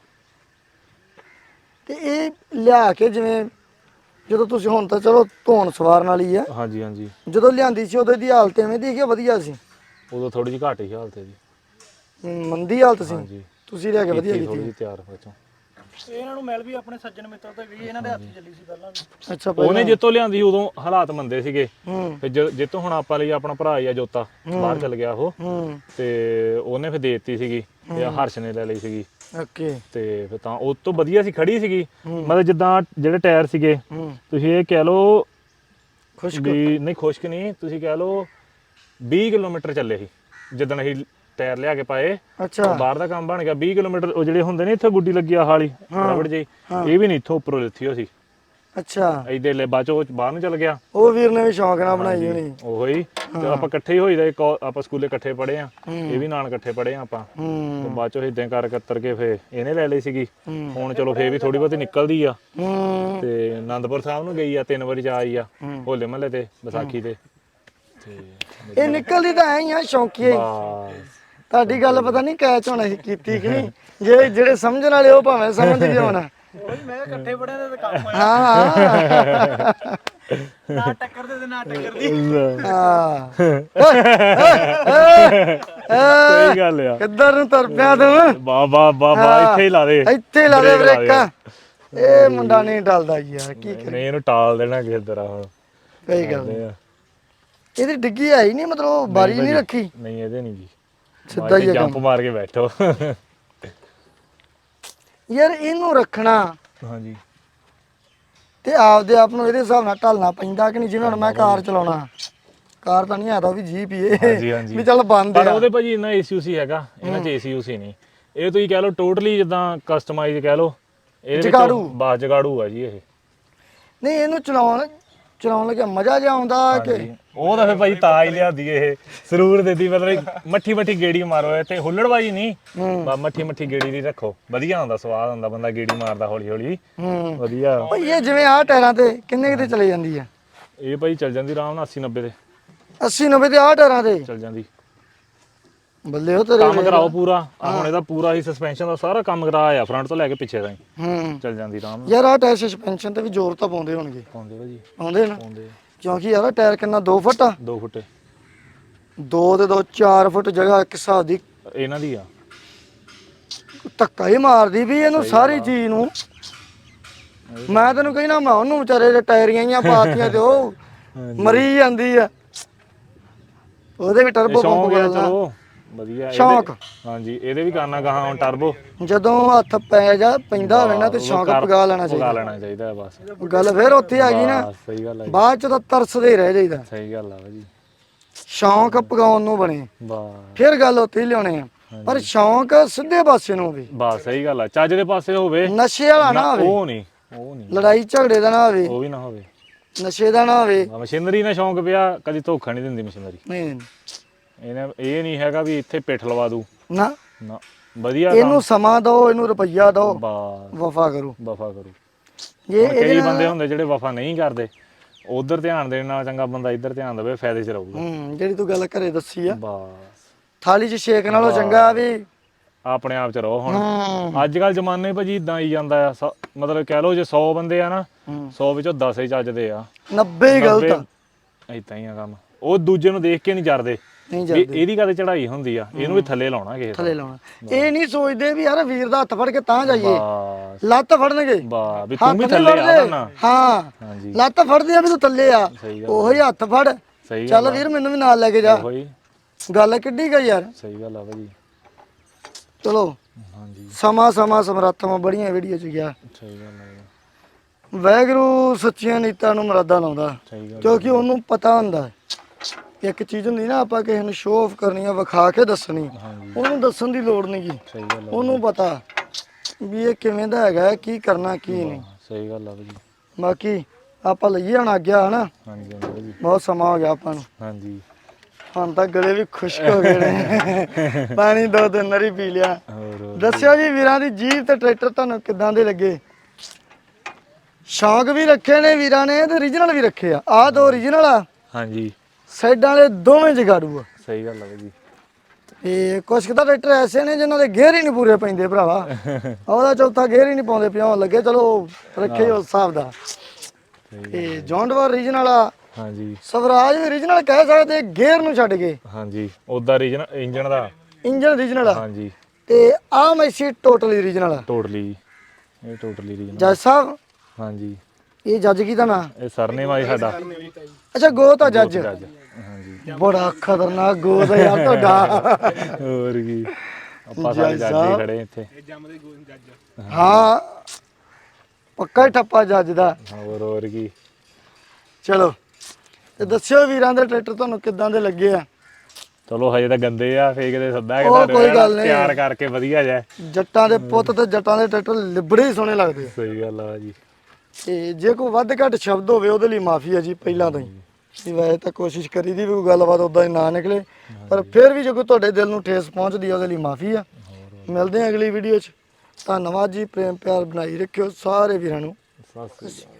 [SPEAKER 1] ਤੇ ਇਹ ਲਿਆ ਕੇ ਜਿਵੇਂ ਜਦੋਂ ਤੁਸੀਂ ਹੁਣ ਤਾਂ ਚਲੋ ਧੋਣ ਸਵਾਰਨ ਵਾਲੀ ਆ
[SPEAKER 2] ਹਾਂਜੀ ਹਾਂਜੀ
[SPEAKER 1] ਜਦੋਂ ਲਿਆਂਦੀ ਸੀ ਉਦੋਂ ਦੀ ਹਾਲਤ ਐਵੇਂ ਦੀ ਕਿ ਵਧੀਆ ਸੀ
[SPEAKER 2] ਉਦੋਂ ਥੋੜੀ ਜਿਹੀ ਘਾਟ ਹੀ ਹਾਲਤ ਹੈ ਜੀ
[SPEAKER 1] ਹਮ, ਮੰਦੀ ਹਾਲਤ ਸੀ
[SPEAKER 2] ਹਾਂਜੀ
[SPEAKER 1] ਤੁਸੀਂ ਲਿਆ ਕੇ ਵਧੀਆ
[SPEAKER 2] ਥੋੜੀ
[SPEAKER 1] ਕੀਤੀ
[SPEAKER 2] ਜਿਹੀ ਤਿਆਰ ਵਿੱਚੋਂ
[SPEAKER 4] ਇਹਨਾਂ ਨੂੰ ਮਿਲ ਵੀ ਆਪਣੇ ਸੱਜਣ ਮਿੱਤਰ ਤੇ ਗਈ ਇਹਨਾਂ ਦੇ ਹੱਥ 'ਚ ਚੱਲੀ ਸੀ ਪਹਿਲਾਂ ਵੀ
[SPEAKER 1] ਅੱਛਾ
[SPEAKER 2] ਉਹਨੇ ਜਿੱਤੋਂ ਲਿਆਂਦੀ ਉਦੋਂ ਹਾਲਾਤ ਮੰਦੇ ਸੀਗੇ
[SPEAKER 1] ਹੂੰ
[SPEAKER 2] ਫਿਰ ਜ- ਜਿੱਤੋਂ ਹੁਣ ਆਪਾਂ ਲਈ ਆਪਣਾ ਭਰਾ ਹੀ ਆ ਜੋਤਾ ਬਾਹਰ ਚਲ ਗਿਆ ਉਹ
[SPEAKER 1] ਹੂੰ
[SPEAKER 2] ਤੇ ਉਹਨੇ ਫਿਰ ਦੇ ਦਿੱਤੀ ਸੀਗੀ ਤੇ ਆਹ ਹਰਸ਼ ਨੇ ਲੈ ਲਈ ਸੀਗੀ
[SPEAKER 1] ਓਕੇ
[SPEAKER 2] ਤੇ ਫਿਰ ਤਾਂ ਉਹ ਤੋਂ ਵਧੀਆ ਸੀ ਖੜੀ ਸੀਗੀ ਮਤਲਬ ਜਿੱਦਾਂ ਜਿਹੜੇ ਟਾਇਰ ਸੀਗੇ
[SPEAKER 1] ਹੂੰ
[SPEAKER 2] ਤੁਸੀਂ ਇਹ ਕਹਿ ਲਓ
[SPEAKER 1] ਖੁਸ਼ਕ
[SPEAKER 2] ਵੀ ਨਹੀਂ ਖੁਸ਼ਕ ਨਹੀਂ ਤੁਸੀਂ ਕਹਿ ਲਓ ਵੀਹ ਕਿਲੋਮੀਟਰ ਚੱਲੇ ਸੀ ਜਿੱਦਣ ਅਸੀਂ ਟਾਇਰ ਲਿਆ ਕੇ ਪਾਏ
[SPEAKER 1] ਅੱਛਾ
[SPEAKER 2] ਬਾਹਰ ਦਾ ਕੰਮ ਬਣ ਗਿਆ ਵੀਹ ਕਿਲੋਮੀਟਰ ਉਹ ਜਿਹੜੇ ਹੁੰਦੇ ਨੇ ਇੱਥੇ ਗੁੱਡੀ ਲੱਗੀ ਆ ਹਾਲੀ ਰਬੜ ਜਿਹੀ ਇਹ ਵੀ ਨਹੀਂ ਇੱਥੋਂ ਉੱਪਰੋਂ ਲਿੱਥੀ ਹੋ ਸੀ
[SPEAKER 1] ਅੱਛਾ
[SPEAKER 2] ਇਹਦੇ ਲੈ ਬਾਅਦ ਚੋਂ ਉਹ ਬਾਹਰ ਨੂੰ ਚਲ ਗਿਆ
[SPEAKER 1] ਉਹ ਵੀਰ ਨੇ ਵੀ ਸ਼ੌਂਕ ਨਾਲ ਬਣਾਈ ਹੋਣੀ
[SPEAKER 2] ਉਹੋ ਹੀ ਤੇ ਆਪਾਂ ਇਕੱਠੇ ਹੀ ਹੋਈਦਾ ਇੱਕ ਆਪਾਂ ਸਕੂਲੇ ਇਕੱਠੇ ਪੜ੍ਹੇ ਆ ਇਹ ਵੀ ਨਾਲ ਇਕੱਠੇ ਪੜ੍ਹੇ ਆ ਆਪਾਂ
[SPEAKER 1] ਹੂੰ
[SPEAKER 2] ਤੇ ਬਾਅਦ ਚੋਂ ਇਦਾਂ ਕਰ ਕੱਤਰ ਕੇ ਫੇ ਇਹਨੇ ਲੈ ਲਈ ਸੀਗੀ ਹੁਣ ਚਲੋ ਫੇਰ ਵੀ ਥੋੜੀ ਬਹੁਤੀ ਨਿਕਲਦੀ ਆ
[SPEAKER 1] ਹੂੰ
[SPEAKER 2] ਤੇ ਆਨੰਦਪੁਰ ਸਾਹਿਬ ਨੂੰ ਗਈ ਆ ਤਿੰਨ ਵਾਰੀ ਜਾ ਆਈ ਆ ਹੋਲੇ ਮਹੱਲੇ ਤੇ ਵਿਸਾਖੀ ਤੇ ਤੇ
[SPEAKER 1] ਇਹ ਨਿਕਲਦੀ ਤਾਂ ਐ ਹੀ ਆ ਸ਼ੌਂਕੀ
[SPEAKER 2] ਬਸ
[SPEAKER 1] ਤੁਹਾਡੀ ਗੱਲ ਪਤਾ ਨਹੀਂ ਕੈਚ ਹੋਣਾ ਸੀ ਕੀਤੀ ਕਿ ਨਹੀਂ ਜੇ ਜਿਹੜੇ ਸਮਝਣ ਵਾਲੇ ਉਹ ਭਾਵੇਂ ਸਮਝ ਗਏ ਹੋਣਾ
[SPEAKER 4] ਉਹੀ ਮੈਂ ਕਿਹਾ ਇਕੱਠੇ ਪੜਿਆ ਤੇ ਕੰਮ ਆਇਆ
[SPEAKER 1] ਹਾਂ ਹਾਂ
[SPEAKER 4] ਨਾ ਟੱਕਰ ਦੇ ਤੇ ਨਾ ਟੱਕਰ ਦੀ
[SPEAKER 1] ਹਾਂ
[SPEAKER 2] ਸਹੀ ਗੱਲ ਆ
[SPEAKER 1] ਕਿੱਧਰ ਨੂੰ ਤੁਰ ਪਿਆ ਤੂੰ
[SPEAKER 2] ਬਾ ਬਾ ਬਾ ਬਾ ਇੱਥੇ ਹੀ ਲਾ ਦੇ
[SPEAKER 1] ਇੱਥੇ ਲਾ ਦੇ
[SPEAKER 2] ਬ੍ਰੇਕ ਲਾ
[SPEAKER 1] ਬ੍ਰੇਕਾਂ ਇਹ ਮੁੰਡਾ ਨਹੀਂ ਟਲਦਾ ਯਾਰ ਕੀ ਕਰੇ
[SPEAKER 2] ਨਹੀਂ ਇਹਨੂੰ ਟਾਲ ਦੇਣਾ ਕਿਸੇ ਤਰ੍ਹਾਂ ਹੁਣ
[SPEAKER 1] ਸਹੀ ਗੱਲ ਹੈ। ਇਹਦੀ ਡਿੱਗੀ ਆਈ ਨਹੀਂ ਮਤਲਬ ਉਹ ਬਾਰੀ ਨਹੀਂ ਰੱਖੀ
[SPEAKER 2] ਨਹੀਂ ਇਹਦੇ ਨਹੀਂ ਜੀ
[SPEAKER 1] ਸਿੱਧਾ ਹੀ
[SPEAKER 2] ਜੰਪ ਮਾਰ ਕੇ ਬੈਠੋ
[SPEAKER 1] ਯਾਰ ਇਹਨੂੰ ਰੱਖਣਾ
[SPEAKER 2] ਹਾਂਜੀ
[SPEAKER 1] ਤੇ ਆਪਦੇ ਆਪ ਨੂੰ ਇਹਦੇ ਹਿਸਾਬ ਨਾਲ ਢਲਣਾ ਪੈਂਦਾ ਕਿ ਨਹੀਂ ਜਿਵੇਂ ਹੁਣ ਮੈਂ ਕਾਰ ਚਲਾਉਣਾ ਕਾਰ ਤਾਂ ਨਹੀਂ ਆਦਾ ਵੀ ਜੀਪ ਹੀ
[SPEAKER 2] ਹਾਂਜੀ,
[SPEAKER 1] ਇਹ
[SPEAKER 2] ਹਾਂਜੀ।
[SPEAKER 1] ਵੀ ਚੱਲ ਬੰਦ
[SPEAKER 2] ਪਰ
[SPEAKER 1] ਆ
[SPEAKER 2] ਉਹਦੇ ਭਾਜੀ ਇੰਨਾ ਏਸੀਯੂਸੀ ਹੈਗਾ ਇਹਨਾਂ ਚ ਏਸੀਯੂਸੀ ਨਹੀਂ ਇਹ ਤੁਸੀਂ ਕਹਿ ਲਓ ਟੋਟਲੀ ਜਿੱਦਾਂ ਕਸਟਮਾਈਜ਼ ਕਹਿ ਲਓ ਇਹਦੇ
[SPEAKER 1] ਜਗਾੜੂ।
[SPEAKER 2] ਵਿੱਚ ਬਾਸ ਜਗਾੜੂ ਆ ਜੀ ਇਹ
[SPEAKER 1] ਨਹੀਂ ਇਹਨੂੰ ਚਲਾਉਣ ਚਲਾਉਣ ਲੱਗਿਆ ਮਜ਼ਾ ਜਿਹਾ ਆਉਂਦਾ ਕਿ
[SPEAKER 2] ਉਹ ਤਾਂ ਫੇ ਭਾਜੀ ਤਾਂ ਹੀ ਲਿਆਦੀ ਇਹ ਸਰੂਰ ਦੇਦੀ ਮਤਲਬ ਮੱਠੀ ਮੱਠੀ ਗੇੜੀ ਮਾਰੋ ਤੇ ਹੁੱਲੜਬਾਜੀ ਨਹੀਂ ਬਾ ਮੱਠੀ ਮੱਠੀ ਗੇੜੀ ਦੀ ਰੱਖੋ ਵਧੀਆ ਹੁੰਦਾ ਸਵਾਦ ਹੁੰਦਾ ਬੰਦਾ ਗੇੜੀ ਮਾਰਦਾ ਹੌਲੀ ਹੌਲੀ
[SPEAKER 1] ਹੂੰ
[SPEAKER 2] ਵਧੀਆ
[SPEAKER 1] ਭਈ ਇਹ ਜਿਵੇਂ ਆਹ ਟਾਇਰਾਂ ਤੇ ਕਿੰਨੇ ਕਿਤੇ ਚਲੇ ਜਾਂਦੀ ਆ
[SPEAKER 2] ਇਹ ਭਾਈ ਚੱਲ ਜਾਂਦੀ ਆਰਾਮ ਨਾਲ ਅੱਸੀ ਨੱਬੇ ਤੇ
[SPEAKER 1] ਅੱਸੀ ਨੱਬੇ ਤੇ ਆਹ ਟਾਇਰਾਂ ਤੇ
[SPEAKER 2] ਚੱਲ ਜਾਂਦੀ
[SPEAKER 1] ਬੱਲੇ ਉਹ ਤੇਰੇ
[SPEAKER 2] ਕੰਮ ਕਰਾਓ ਪੂਰਾ ਆਹ ਹੁਣ ਇਹਦਾ ਪੂਰਾ ਹੀ ਸਸਪੈਂਸ਼ਨ ਦਾ ਸਾਰਾ ਕੰਮ ਕਰਾਇਆ ਫਰੰਟ ਤੋਂ ਲੈ ਕੇ ਪਿੱਛੇ ਤਾਈਂ
[SPEAKER 1] ਹੂੰ
[SPEAKER 2] ਚੱਲ ਜਾਂਦੀ ਆਰਾਮ ਨਾਲ
[SPEAKER 1] ਯਾਰ ਆਹ ਟਾਇਰ ਸਸਪੈਂਸ਼ਨ ਤੇ ਵੀ ਜ਼ੋਰ ਤਾਂ ਪਾਉਂਦੇ ਹੋਣਗੇ
[SPEAKER 2] ਪਾਉਂਦੇ ਭਾਜੀ
[SPEAKER 1] ਪਾਉਂਦੇ ਨਾ
[SPEAKER 2] ਪਾਉਂਦੇ
[SPEAKER 1] ਕਿਉਂਕਿ ਯਾਰ ਆਹ ਟਾਇਰ ਕਿੰਨਾ ਦੋ ਫੁੱਟ ਆ
[SPEAKER 2] ਦੋ ਫੁੱਟੇ
[SPEAKER 1] ਦੋ ਤੇ ਦੋ ਚਾਰ ਫੁੱਟ ਜਗ੍ਹਾ ਇੱਕ ਹਿਸਾਬ ਦੀ
[SPEAKER 2] ਇਹਨਾਂ ਦੀ ਆ
[SPEAKER 1] ਧੱਕਾ ਹੀ ਮਾਰਦੀ ਵੀ ਇਹਨੂੰ ਸਾਰੀ ਚੀਜ਼ ਨੂੰ ਮੈਂ ਤੈਨੂੰ ਕਹਿਣਾ ਮੈਂ ਉਹਨੂੰ ਵਿਚਾਰੇ ਦੇ ਟਾਇਰੀਆਂ ਜਾਂ ਪਾਤੀਆਂ ਤੇ ਉਹ ਮਰੀ ਜਾਂਦੀ ਆ ਉਹਦੇ ਵੀ ਟਰਬੋ ਪੰਪ
[SPEAKER 2] ਸ਼ੌਂਕ ਹੈ
[SPEAKER 1] ਬਦਲਣਾ
[SPEAKER 2] ਚਲੋ ਵਧੀਆ ਇਹਦੇ-
[SPEAKER 1] ਸ਼ੌਂਕ
[SPEAKER 2] ਹਾਂਜੀ ਇਹਦੇ ਵੀ ਕਰਨਾ ਗਾਹਾਂ ਹੁਣ ਟਰਬੋ
[SPEAKER 1] ਜਦੋਂ ਹੱਥ ਪੈ ਜਾ ਪੈਂਦਾ ਹੋਵੇ ਨਾ ਤੇ ਸ਼ੌਂਕ ਪਗਾ ਲੈਣਾ
[SPEAKER 2] ਪਗਾ
[SPEAKER 1] ਚਾਹੀਦਾ।
[SPEAKER 2] ਲੈਣਾ ਚਾਹੀਦਾ ਬਸ।
[SPEAKER 1] ਗੱਲ ਫਿਰ ਉੱਥੇ ਆ ਗਈ ਨਾ,
[SPEAKER 2] ਬਸ ਸਹੀ ਗੱਲ ਹੈ ਜੀ,
[SPEAKER 1] ਬਾਅਦ ਚ ਤਾਂ ਤਰਸਦੇ ਹੀ ਰਹਿ ਜਾਈਦਾ।
[SPEAKER 2] ਸਹੀ ਗੱਲ ਆ ਭਾਜੀ।
[SPEAKER 1] ਸ਼ੌਂਕ ਪਗਾਉਣ ਨੂੰ ਬਣੇ
[SPEAKER 2] ਬਸ
[SPEAKER 1] ਫਿਰ ਗੱਲ ਉੱਥੇ ਹੀ ਲਿਆਉਣੇ ਆ, ਪਰ ਸ਼ੌਂਕ ਸਿੱਧੇ ਪਾਸੇ ਨੂੰ ਹੋਵੇ,
[SPEAKER 2] ਬਸ ਸਹੀ ਗੱਲ ਆ, ਚੱਜ ਦੇ ਪਾਸੇ ਹੋਵੇ,
[SPEAKER 1] ਨਸ਼ੇ ਵਾਲਾ ਨਾ ਹੋਵੇ,
[SPEAKER 2] ਉਹ ਨਹੀਂ ਉਹ ਨਹੀਂ
[SPEAKER 1] ਲੜਾਈ ਝਗੜੇ ਦਾ ਨਾ ਹੋਵੇ,
[SPEAKER 2] ਉਹ ਵੀ ਨਾ ਹੋਵੇ,
[SPEAKER 1] ਨਸ਼ੇ ਦਾ ਨਾ ਹੋਵੇ।
[SPEAKER 2] ਮਸ਼ੀਨਰੀ ਨਾਲ ਸ਼ੌਂਕ ਪਿਆ ਕਦੀ ਧੋਖਾ ਨਹੀਂ ਦਿੰਦੀ ਮਸ਼ੀਨਰੀ।
[SPEAKER 1] ਨਹੀਂ
[SPEAKER 2] ਇਹਨੇ ਇਹ ਨਹੀਂ ਹੈਗਾ ਵੀ ਇੱਥੇ ਪਿੱਠ ਲਵਾ ਦੂ
[SPEAKER 1] ਨਾ,
[SPEAKER 2] ਨਾ, ਵਧੀਆ
[SPEAKER 1] ਇਹਨੂੰ ਸਮਾਂ ਦਿਓ, ਇਹਨੂੰ ਰੁਪਈਆ ਦਿਓ,
[SPEAKER 2] ਬਸ
[SPEAKER 1] ਵਫਾ ਕਰੋ।
[SPEAKER 2] ਵਫਾ ਕਰੂ।
[SPEAKER 1] ਜੇ
[SPEAKER 2] ਹੁਣ ਕਈ ਬੰਦੇ ਹੁੰਦੇ ਜਿਹੜੇ ਵਫਾ ਨਹੀਂ ਕਰਦੇ, ਉਧਰ ਧਿਆਨ ਦੇਣ ਨਾਲ ਚੰਗਾ ਬੰਦਾ ਇੱਧਰ ਧਿਆਨ ਦੇਵੇ, ਫਾਇਦੇ 'ਚ ਰਹੂਗਾ।
[SPEAKER 1] ਹੂੰ ਜਿਹੜੀ ਤੂੰ ਗੱਲ ਘਰੇ ਦੱਸੀ ਆ,
[SPEAKER 2] ਬਸ
[SPEAKER 1] ਥਾਲੀ 'ਚ ਛੇਕ ਨਾਲੋਂ ਚੰਗਾ ਵੀ
[SPEAKER 2] ਆਪਣੇ ਆਪ 'ਚ ਰਹੋ। ਹੁਣ
[SPEAKER 1] ਹੂੰ
[SPEAKER 2] ਅੱਜ ਕੱਲ ਜ਼ਮਾਨੇ ਭਾਜੀ ਇਦਾਂ ਆਈ ਜਾਂਦਾ ਆ, ਸ- ਮਤਲਬ ਕਹਿ ਲਓ ਜੇ ਸੌ ਬੰਦੇ ਆ ਨਾ,
[SPEAKER 1] ਹੂੰ।
[SPEAKER 2] ਸੌ ਵਿੱਚੋਂ ਦਸ ਹੀ ਚੱਜਦੇ ਆ,
[SPEAKER 1] ਨੱਬੇ ਹੀ ਗਲਤ ਆ।
[SPEAKER 2] ਏਦਾਂ ਹੀ ਆ ਕੰਮ। ਉਹ ਦੂਜੇ ਨੂੰ ਦੇਖ ਕੇ ਨਹੀਂ ਜਰਦੇ
[SPEAKER 1] ਨਹੀਂ
[SPEAKER 2] ਵੀ
[SPEAKER 1] ਜਾਂਦੇ
[SPEAKER 2] ਇਹਦੀ ਕਦੇ ਚੜਾਈ ਹੁੰਦੀ ਆ, ਇਹਨੂੰ ਵੀ ਥੱਲੇ ਲਾਉਣਾ ਕਿਸੇ
[SPEAKER 1] ਥੱਲੇ ਲਾਉਣਾ। ਇਹ ਨਹੀਂ ਸੋਚਦੇ ਵੀ ਯਾਰ ਵੀਰ ਦਾ ਹੱਥ ਫੜ ਕੇ ਤਾਂ ਜਾਈਏ,
[SPEAKER 2] ਬਸ
[SPEAKER 1] ਲੱਤ ਫੜਨਗੇ,
[SPEAKER 2] ਬਸ ਵੀ ਤੂੰ
[SPEAKER 1] ਹੱਥ
[SPEAKER 2] ਵੀ
[SPEAKER 1] ਨਹੀਂ
[SPEAKER 2] ਥੱਲੇ ਆ
[SPEAKER 1] ਫੜਦੇ।
[SPEAKER 2] ਨਾ।
[SPEAKER 1] ਹਾਂ
[SPEAKER 2] ਹਾਂਜੀ
[SPEAKER 1] ਲੱਤ ਫੜਦੀ ਆ ਵੀ ਤੂੰ ਥੱਲੇ ਆ,
[SPEAKER 2] ਸਹੀ ਗੱਲ
[SPEAKER 1] ਉਹੀ ਹੱਥ ਫੜ,
[SPEAKER 2] ਸਹੀ
[SPEAKER 1] ਚੱਲ
[SPEAKER 2] ਗੱਲ
[SPEAKER 1] ਵੀਰ ਮੈਨੂੰ ਵੀ ਨਾਲ ਲੈ ਕੇ ਜਾ।
[SPEAKER 2] ਉਹੀ
[SPEAKER 1] ਗੱਲ ਕਿੱਡੀ ਗਈ ਯਾਰ।
[SPEAKER 2] ਸਹੀ ਗੱਲ ਆ ਭਾਜੀ।
[SPEAKER 1] ਚਲੋ
[SPEAKER 2] ਹਾਂਜੀ
[SPEAKER 1] ਸਮਾਂ ਸਮਾਂ ਸਮਰਾਤਾਵਾਂ ਬੜੀਆਂ ਵੀਡੀਓ ਚ ਗਿਆ।
[SPEAKER 2] ਸਹੀ ਗੱਲ ਆ,
[SPEAKER 1] ਵਾਹਿਗੁਰੂ ਸੱਚੀਆਂ ਨੀਤਾਂ ਨੂੰ ਮੁਰਾਦਾਂ ਲਾਉਂਦਾ,
[SPEAKER 2] ਸਹੀ ਗੱਲ
[SPEAKER 1] ਕਿਉਂਕਿ ਉਹਨੂੰ ਪਤਾ ਹੁੰਦਾ ਹੈ। ਇੱਕ ਚੀਜ਼ ਹੁੰਦੀ ਨਾ, ਆਪਾਂ ਕਿਸੇ ਨੂੰ ਸ਼ੋਅ ਆਫ ਕਰਨੀ ਆ, ਵਿਖਾ ਕੇ ਦੱਸਣੀ,
[SPEAKER 2] ਹਾਂਜੀ
[SPEAKER 1] ਉਹਨੂੰ ਦੱਸਣ ਦੀ ਲੋੜ ਨਹੀਂ ਗੀ।
[SPEAKER 2] ਸਹੀ ਗੱਲ ਆ,
[SPEAKER 1] ਉਹਨੂੰ ਪਤਾ ਵੀ ਇਹ ਕਿਵੇਂ ਦਾ ਹੈਗਾ, ਕੀ ਕਰਨਾ ਕੀ ਨਹੀਂ।
[SPEAKER 2] ਸਹੀ ਗੱਲ ਆ ਭਾਜੀ।
[SPEAKER 1] ਬਾਕੀ ਆਪਾਂ ਲਈਏ ਹੁਣ ਆਗਿਆ ਹਨਾ,
[SPEAKER 2] ਹਾਂਜੀ ਹਾਂਜੀ ਭਾਜੀ।
[SPEAKER 1] ਬਹੁਤ ਸਮਾਂ ਹੋ ਗਿਆ ਆਪਾਂ ਨੂੰ,
[SPEAKER 2] ਹਾਂਜੀ
[SPEAKER 1] ਹੁਣ ਤਾਂ ਗਲੇ ਵੀ ਖੁਸ਼ਕ ਹੋ ਗਏ ਨੇ। ਪਾਣੀ ਦੋ ਤਿੰਨ ਵਾਰੀ ਪੀ ਲਿਆ।
[SPEAKER 2] ਹੋਰ ਹੋਰ।
[SPEAKER 1] ਦੱਸਿਓ ਜੀ ਵੀਰਾਂ ਦੀ ਜੀਪ ਤੇ ਟਰੈਕਟਰ ਤੁਹਾਨੂੰ ਕਿੱਦਾਂ ਦੇ ਲੱਗੇ। ਸ਼ੌਂਕ ਵੀ ਰੱਖੇ ਨੇ ਵੀਰਾਂ ਨੇ ਤੇ ਓਰੀਜਨਲ ਵੀ ਰੱਖੇ ਆ। ਆਹ ਦੋ ਓਰੀਜਨਲ ਆ,
[SPEAKER 2] ਹਾਂਜੀ
[SPEAKER 1] ਸਾਈਡਾਂ ਵਾਲੇ ਦੋਵੇਂ ਜਗਾੜੂ ਆ।
[SPEAKER 2] ਸਹੀ ਗੱਲ ਆ ਭਾਜੀ।
[SPEAKER 1] ਤੇ ਕੁਛ ਕੁ ਤਾਂ ਟਰੈਕਟਰ ਐਸੇ ਨੇ ਜਿਨ੍ਹਾਂ ਦੇ ਗੇਅਰ ਹੀ ਨਹੀਂ ਪੂਰੇ ਪੈਂਦੇ ਭਰਾਵਾ। ਉਹਦਾ ਚੌਥਾ ਗੇਅਰ ਹੀ ਨਹੀਂ ਪਾਉਂਦੇ, ਪਿਆਉਣ ਲੱਗੇ। ਚਲੋ ਰੱਖੇ ਉਸ ਹਿਸਾਬ ਦਾ। ਤੇ ਜੌਂਡਵਾਰ ਓਰੀਜਨਲ ਆ,
[SPEAKER 2] ਹਾਂਜੀ
[SPEAKER 1] ਸਵਰਾਜ ਵੀ ਓਰੀਜਨਲ ਕਹਿ ਸਕਦੇ, ਗੇਅਰ ਨੂੰ ਛੱਡ ਕੇ।
[SPEAKER 2] ਹਾਂਜੀ ਉਹਦਾ ਰੀਜਨ ਇੰਜਨ ਦਾ।
[SPEAKER 1] ਇੰਜਨ ਓਰੀਜਨਲ ਆ,
[SPEAKER 2] ਹਾਂਜੀ
[SPEAKER 1] ਤੇ ਆਹ ਮੈਸੀ ਟੋਟਲੀ ਓਰੀਜਨਲ ਆ।
[SPEAKER 2] ਟੋਟਲੀ ਇਹ ਟੋਟਲੀ ਰੀਜਨ।
[SPEAKER 1] ਜੱਜ ਸਾਹਿਬ
[SPEAKER 2] ਹਾਂਜੀ
[SPEAKER 1] ਇਹ ਜੱਜ ਕੀ ਦਾ ਨਾਂ?
[SPEAKER 2] ਇਹ ਸਰਨੇਮ ਆ ਜੀ ਸਾਡਾ।
[SPEAKER 1] ਅੱਛਾ ਗੋਤ ਆ ਜੱਜ।
[SPEAKER 2] ਜੱਜ ਹਾਂਜੀ।
[SPEAKER 1] ਬੜਾ ਖਤਰਨਾਕ ਗੋਤ ਆ ਯਾਰ ਤੁਹਾਡਾ।
[SPEAKER 2] ਹੋਰ ਕੀ, ਆਪਾਂ ਸਾਰੇ ਜੱਜ ਹੀ ਖੜੇ ਇੱਥੇ।
[SPEAKER 1] ਹਾਂ ਪੱਕਾ ਹੀ ਠੱਪਾ ਜੱਜ ਦਾ।
[SPEAKER 2] ਹੋਰ ਹੋਰ ਕੀ।
[SPEAKER 1] ਚਲੋ ਤੇ ਦੱਸਿਓ ਵੀਰਾਂ ਦੇ ਟਰੈਕਟਰ ਤੁਹਾਨੂੰ ਕਿੱਦਾਂ ਦੇ ਲੱਗੇ ਆ।
[SPEAKER 2] ਚਲੋ ਹਜੇ ਤਾਂ ਗੰਦੇ ਆ, ਫੇਕ ਦੇ ਸੱਦਾ ਕਿ
[SPEAKER 1] ਉਹ ਕੋਈ ਗੱਲ ਨਹੀਂ।
[SPEAKER 2] ਤਿਆਰ ਕਰਕੇ ਵਧੀਆ ਜਾ।
[SPEAKER 1] ਜੱਟਾਂ ਦੇ ਪੁੱਤ ਤੇ ਜੱਟਾਂ ਦੇ ਟਰੈਕਟਰ ਲਿਬੜੇ ਹੀ ਸੋਹਣੇ ਲੱਗਦੇ ਆ।
[SPEAKER 2] ਸਹੀ ਗੱਲ ਆ ਜੀ।
[SPEAKER 1] ਤੇ ਜੇ ਕੋਈ ਵੱਧ ਘੱਟ ਸ਼ਬਦ ਹੋਵੇ ਉਹਦੇ ਲਈ ਮਾਫੀ ਹੈ ਜੀ ਪਹਿਲਾਂ ਤੋਂ ਹੀ। ਵੀ ਵੈਸੇ ਤਾਂ ਕੋਸ਼ਿਸ਼ ਕਰੀ ਦੀ ਵੀ ਕੋਈ ਗੱਲਬਾਤ ਉਦਾਂ ਹੀ ਨਾ ਨਿਕਲੇ, ਪਰ ਫਿਰ ਵੀ ਜੇ ਕੋਈ ਤੁਹਾਡੇ ਦਿਲ ਨੂੰ ਠੇਸ ਪਹੁੰਚਦੀ ਹੈ ਉਹਦੇ ਲਈ ਮਾਫੀ ਆ। ਮਿਲਦੇ ਹਾਂ ਅਗਲੀ ਵੀਡੀਓ 'ਚ। ਧੰਨਵਾਦ ਜੀ, ਪ੍ਰੇਮ ਪਿਆਰ ਬਣਾਈ ਰੱਖਿਓ ਸਾਰੇ ਵੀਰਾਂ ਨੂੰ।
[SPEAKER 2] ਸਤਿ ਸ੍ਰੀ ਅਕਾਲ।